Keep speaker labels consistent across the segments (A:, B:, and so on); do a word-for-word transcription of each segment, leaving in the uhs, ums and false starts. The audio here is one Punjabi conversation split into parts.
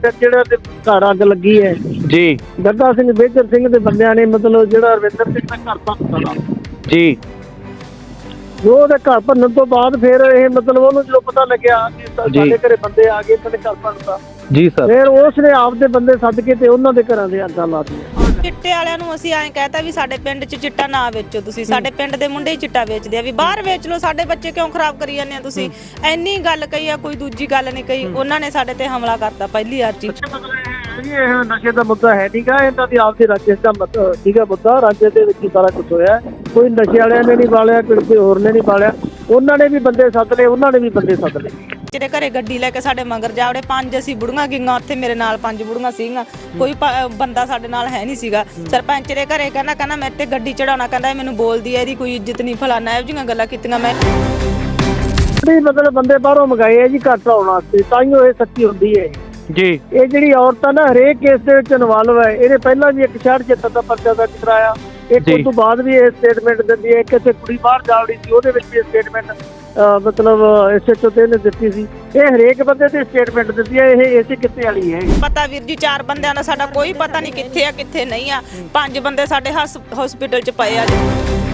A: ਜਿਹੜਾ ਤੇ ਘਰ ਅੱਗ ਲੱਗੀ ਹੈ
B: ਜੀ
A: ਗੱਗਾ ਸਿੰਘ ਮੇਜਰ ਸਿੰਘ ਦੇ ਬੰਦਿਆਂ ਨੇ ਮਤਲਬ ਜਿਹੜਾ ਰਵਿੰਦਰ ਸਿੰਘ ਦਾ ਘਰ ਭੰਨਤਾ
B: ਜੀ
A: ਜੋ ਉਹਦੇ ਘਰ ਭੰਨਣ ਤੋਂ ਬਾਅਦ ਫਿਰ ਇਹ ਮਤਲਬ ਉਹਨੂੰ ਜਦੋਂ ਪਤਾ ਲੱਗਿਆ ਕਿ ਸਾਡੇ ਘਰੇ ਬੰਦੇ ਆ ਗਏ ਇਹਨਾਂ ਦੇ ਘਰ ਭੰਨਤਾ
B: ਜੀ ਸਰ
A: ਫਿਰ ਉਸ ਨੇ ਆਪਦੇ ਬੰਦੇ ਸੱਦ ਕੇ ਤੇ ਉਹਨਾਂ ਦੇ ਘਰਾਂ ਦੇ ਅੱਗਾਂ ਲਾ ਦਿੱਤੀਆਂ।
C: ਚਿੱਟੇ ਵਾਲਿਆਂ ਨੂੰ ਅਸੀਂ ਐਂ ਕਹਿਤਾ ਵੀ ਸਾਡੇ ਪਿੰਡ 'ਚ ਚਿੱਟਾ ਨਾ ਵੇਚੋ ਤੁਸੀਂ, ਸਾਡੇ ਪਿੰਡ ਦੇ ਮੁੰਡੇ ਹੀ ਚਿੱਟਾ ਵੇਚਦੇ ਆ, ਵੀ ਬਾਹਰ ਵੇਚ ਲਓ, ਸਾਡੇ ਬੱਚੇ ਕਿਉਂ ਖਰਾਬ ਕਰੀ ਜਾਂਦੇ ਆ ਤੁਸੀਂ। ਇੰਨੀ ਗੱਲ ਕਹੀ ਆ, ਕੋਈ ਦੂਜੀ ਗੱਲ ਨਹੀਂ ਕਹੀ। ਉਹਨਾਂ ਨੇ ਸਾਡੇ ਤੇ ਹਮਲਾ ਕਰਤਾ ਪਹਿਲੀ ਵਾਰ 'ਚ।
A: ਇਹ ਨਸ਼ੇ ਦਾ ਮੁੱਦਾ ਹੈ ਨਹੀਂਗਾ, ਇਹਨਾਂ ਦੀ ਆਪਦੀ ਰਾਜੇ ਦਾ ਮਤਲਬ ਠੀਕ ਹੈ ਮੁੱਦਾ, ਰਾਜੇ ਦੇ ਵਿੱਚ ਹੀ ਸਾਰਾ ਕੁਝ ਹੋਇਆ। ਕੋਈ ਨਸ਼ੇ ਵਾਲਿਆਂ ਨੇ ਨਹੀਂ ਪਾਲਿਆ, ਕਿਸੇ ਹੋਰ ਨੇ ਨਹੀਂ ਪਾਲਿਆ, ਉਹਨਾਂ ਨੇ ਵੀ ਬੰਦੇ ਸੱਦ ਲਏ, ਉਹਨਾਂ ਨੇ ਵੀ ਬੰਦੇ ਸੱਦ ਲਏ।
C: ਜਿਹੜੇ ਘਰੇ ਗੱਡੀ ਲੈ ਕੇ ਸਾਡੇ ਮਗਰ ਜਾਵੜੇ, ਪੰਜ ਅਸੀਂ ਬੁੜੀਆਂ ਗਈਆਂ ਉੱਥੇ, ਮੇਰੇ ਨਾਲ ਪੰਜ ਬੁੜੀਆਂ ਸੀਗੀਆਂ, ਕੋਈ ਬੰਦਾ ਸਾਡੇ ਨਾਲ ਹੈ ਨਹੀਂ ਸੀਗਾ। ਸਰਪੰਚ ਦੇ ਘਰੇ ਕਹਿੰਦਾ ਕਹਿੰਦਾ ਮੇਰੇ ਤੇ ਗੱਡੀ ਚੜਾਉਣਾ, ਕਹਿੰਦਾ ਮੈਨੂੰ ਬੋਲਦੀ ਹੈ, ਇਹਦੀ ਕੋਈ ਇੱਜ਼ਤ ਨਹੀਂ, ਫਲਾਨਾ ਇਹੋ ਜਿਹੀਆਂ ਗੱਲਾਂ ਕੀਤੀਆਂ। ਮੈਂ
A: ਮਤਲਬ ਬੰਦੇ ਬਾਹਰੋਂ ਮੰਗਾਏ ਆ ਜੀ ਘਰ ਆਉਣ ਵਾਸਤੇ, ਤਾਂ ਹੀ ਇਹ ਸੱਚੀ ਹੁੰਦੀ ਹੈ
B: ਜੀ।
A: ਇਹ ਜਿਹੜੀ ਔਰਤ ਆ ਨਾ ਹਰੇਕ ਕੇਸ ਦੇ ਵਿੱਚ ਇਨਵੋਲਵ ਹੈ। ਇਹਨੇ ਪਹਿਲਾਂ ਵੀ ਇੱਕ ਛਿਆਹਠ ਛਿਹੱਤਰ ਦਾ ਪਰਚਾ ਦਰਜ ਕਰਾਇਆ, ਇੱਕ ਉਸ ਤੋਂ ਬਾਅਦ ਵੀ ਇਹ ਸਟੇਟਮੈਂਟ ਦਿੰਦੀ ਹੈ। ਕਿਸੇ ਕੁੜੀ ਬਾਹਰ ਜਾਵੜੀ ਸੀ, ਉਹਦੇ ਵਿੱਚ ਵੀ ਸਟੇਟਮੈਂਟ ਮਤਲਬ ਐਸਐਚਓ ਤੇ ਇਹਨੇ ਦਿੱਤੀ ਸੀ। ਇਹ ਹਰੇਕ ਬੰਦੇ ਤੇ ਸਟੇਟਮੈਂਟ ਦਿੰਦੀ ਹੈ। ਇਹ ਇਸੇ ਕਿੱਤੇ ਵਾਲੀ ਹੈ।
C: ਪਤਾ ਵੀਰ ਜੀ, ਚਾਰ ਬੰਦਿਆਂ ਦਾ ਸਾਡਾ ਕੋਈ ਪਤਾ ਨਹੀਂ ਕਿੱਥੇ ਆ ਕਿੱਥੇ ਨਹੀਂ ਆ। ਪੰਜ ਬੰਦੇ ਸਾਡੇ ਹਸਪੀਟਲ 'ਚ ਪਏ ਆ ਜੀ।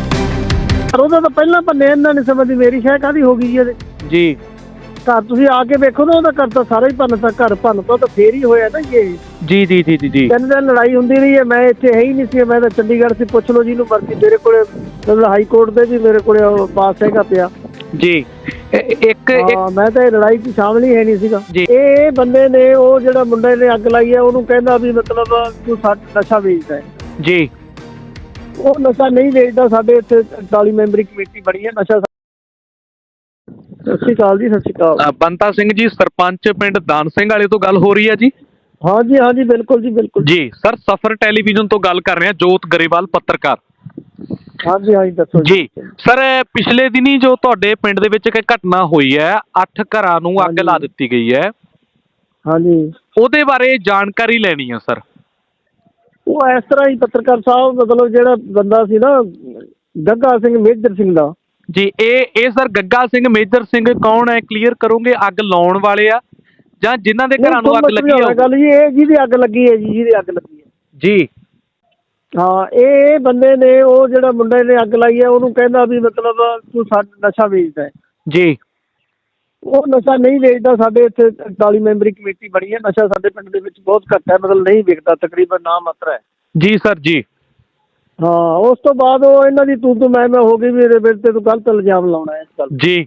A: ਉਹਦਾ ਤਾਂ ਪਹਿਲਾਂ ਭੰਨੇ ਇਹਨਾਂ ਨੇ, ਸਮਝਦੀ ਮੇਰੀ ਸ਼ਾਇਦ ਕਾਹਦੀ ਹੋ ਗਈ ਜੀ ਇਹਦੇ
B: ਜੀ।
A: ਘਰ ਤੁਸੀਂ ਆ ਕੇ ਵੇਖੋ ਨਾ, ਉਹਦਾ ਘਰ ਤਾਂ ਸਾਰਾ ਹੀ ਭੰਨਤਾ, ਘਰ ਭੰਨਤਾ ਤਾਂ ਫੇਰ ਹੀ ਹੋਇਆ ਨਾ ਇਹ।
B: ਜੀ ਜੀ ਜੀ ਜੀ ਜੀ
A: ਤਿੰਨ ਦਿਨ ਲੜਾਈ ਹੁੰਦੀ ਰਹੀ ਹੈ। ਮੈਂ ਇੱਥੇ ਹੈ ਹੀ ਨਹੀਂ ਸੀ, ਮੈਂ ਤਾਂ ਚੰਡੀਗੜ੍ਹ ਸੀ। ਪੁੱਛ ਲਓ ਜਿਹਨੂੰ ਮਰਜ਼ੀ, ਮੇਰੇ ਕੋਲੇ ਮਤਲਬ ਹਾਈ ਕੋਰਟ ਦੇ ਵੀ ਮੇਰੇ ਕੋਲੇ ਪਾਸ ਹੈਗਾ ਪਿਆ
B: ਜੀ। ਇੱਕ
A: ਹਾਂ, ਮੈਂ ਤਾਂ ਇਹ ਲੜਾਈ 'ਚ ਸ਼ਾਮਲ ਹੀ ਹੈ ਨਹੀਂ ਸੀਗਾ। ਇਹ ਬੰਦੇ ਨੇ, ਉਹ ਜਿਹੜਾ ਮੁੰਡੇ ਨੇ ਅੱਗ ਲਾਈ ਹੈ, ਉਹਨੂੰ ਕਹਿੰਦਾ ਵੀ ਮਤਲਬ ਤੂੰ ਸਾਡਾ ਨਸ਼ਾ ਵੇਚਦਾ ਹੈ
B: ਜੀ।
A: ਉਹ ਨਸ਼ਾ ਨਹੀਂ ਵੇਚਦਾ। ਸਾਡੇ ਇੱਥੇ ਚਾਲੀ ਮੈਂਬਰੀ ਕਮੇਟੀ ਬਣੀ ਹੈ ਨਸ਼ਾ। ਸਤਿ ਸ਼੍ਰੀ ਅਕਾਲ ਜੀ। ਸਤਿ ਸ਼੍ਰੀ ਅਕਾਲ।
B: ਬੰਤਾ ਸਿੰਘ ਜੀ, ਸਰਪੰਚ ਪਿੰਡ ਦਾਨ ਸਿੰਘ ਵਾਲੇ ਤੋਂ ਗੱਲ ਹੋ ਰਹੀ ਹੈ ਜੀ?
A: ਹਾਂਜੀ ਹਾਂਜੀ, ਬਿਲਕੁਲ ਜੀ ਬਿਲਕੁਲ
B: ਜੀ ਸਰ, ਸਫਰ ਟੈਲੀਵਿਜ਼ਨ ਤੋਂ ਗੱਲ ਕਰ ਰਹੇ ਹਾਂ, ਜੋਤ ਗਰੇਵਾਲ ਪੱਤਰਕਾਰ।
A: ਹਾਂਜੀ ਹਾਂਜੀ, ਦੱਸੋ
B: ਜੀ ਸਰ। ਪਿਛਲੇ ਦਿਨੀ ਜੋ ਤੁਹਾਡੇ ਪਿੰਡ ਦੇ ਵਿੱਚ ਇੱਕ ਘਟਨਾ ਹੋਈ ਹੈ, ਅੱਠ ਘਰਾਂ ਨੂੰ ਅੱਗ ਲਾ ਦਿੱਤੀ ਗਈ ਹੈ,
A: ਹਾਂਜੀ,
B: ਉਹਦੇ ਬਾਰੇ ਜਾਣਕਾਰੀ ਲੈਣੀ ਹੈ ਸਰ।
A: ਉਹ ਇਸ ਤਰ੍ਹਾਂ ਹੀ ਪੱਤਰਕਾਰ ਸਾਹਿਬ, ਮਤਲਬ ਜਿਹੜਾ ਬੰਦਾ ਸੀ ਨਾ ਗੱਗਾ ਸਿੰਘ ਮੇਜਰ ਸਿੰਘ ਦਾ
B: ਜੀ, ਇਹ ਇਹ ਸਰ ਗੱਗਾ ਸਿੰਘ ਮੇਜਰ ਸਿੰਘ ਕੌਣ ਹੈ, ਕਲੀਅਰ ਕਰੋਗੇ? ਅੱਗ ਲਾਉਣ ਵਾਲੇ ਆ ਜਾਂ ਜਿਨ੍ਹਾਂ ਦੇ ਘਰਾਂ ਨੂੰ ਅੱਗ ਲੱਗੀ ਹੈ?
A: ਗੱਲ ਜੀ, ਇਹ ਜਿਹਦੀ ਅੱਗ ਲੱਗੀ ਹੈ ਜੀ, ਜਿਹਦੀ ਅੱਗ ਲੱਗੀ ਹੈ
B: ਜੀ।
A: ਹਾਂ, ਇਹ ਬੰਦੇ ਨੇ, ਉਹ ਜਿਹੜਾ ਮੁੰਡੇ ਨੇ ਅੱਗ ਲਾਈ ਹੈ, ਉਹਨੂੰ ਕਹਿੰਦਾ ਵੀ ਮਤਲਬ ਤੂੰ ਸਾਡਾ ਨਸ਼ਾ ਵੇਚਦਾ ਹੈ
B: ਜੀ।
A: ਉਹ ਨਸ਼ਾ ਨਹੀਂ ਵੇਚਦਾ। ਸਾਡੇ ਇੱਥੇ ਚਾਲੀ ਮੈਂਬਰੀ ਕਮੇਟੀ ਬਣੀ ਹੈ। ਨਸ਼ਾ ਸਾਡੇ ਪਿੰਡ ਦੇ ਵਿੱਚ ਬਹੁਤ ਘੱਟ ਹੈ, ਮਤਲਬ ਨਹੀਂ ਵਿਕਦਾ, ਤਕਰੀਬਨ ਨਾ ਮਾਤਰਾ ਹੈ।
B: ਜੀ ਸਰ ਜੀ।
A: ਹਾਂ, ਉਸ ਤੋਂ ਬਾਅਦ ਉਹ ਇਹਨਾਂ ਦੀ ਤੂੰ ਤੂੰ ਮੈਂ ਮੈਂ ਹੋ ਗਈ ਵੀ ਇਹਦੇ ਵਿੱਚ ਤੇ ਤੂੰ ਗਲਤ ਇਲਜ਼ਾਮ ਲਾਉਣਾ ਇਸ ਗੱਲ
B: ਜੀ।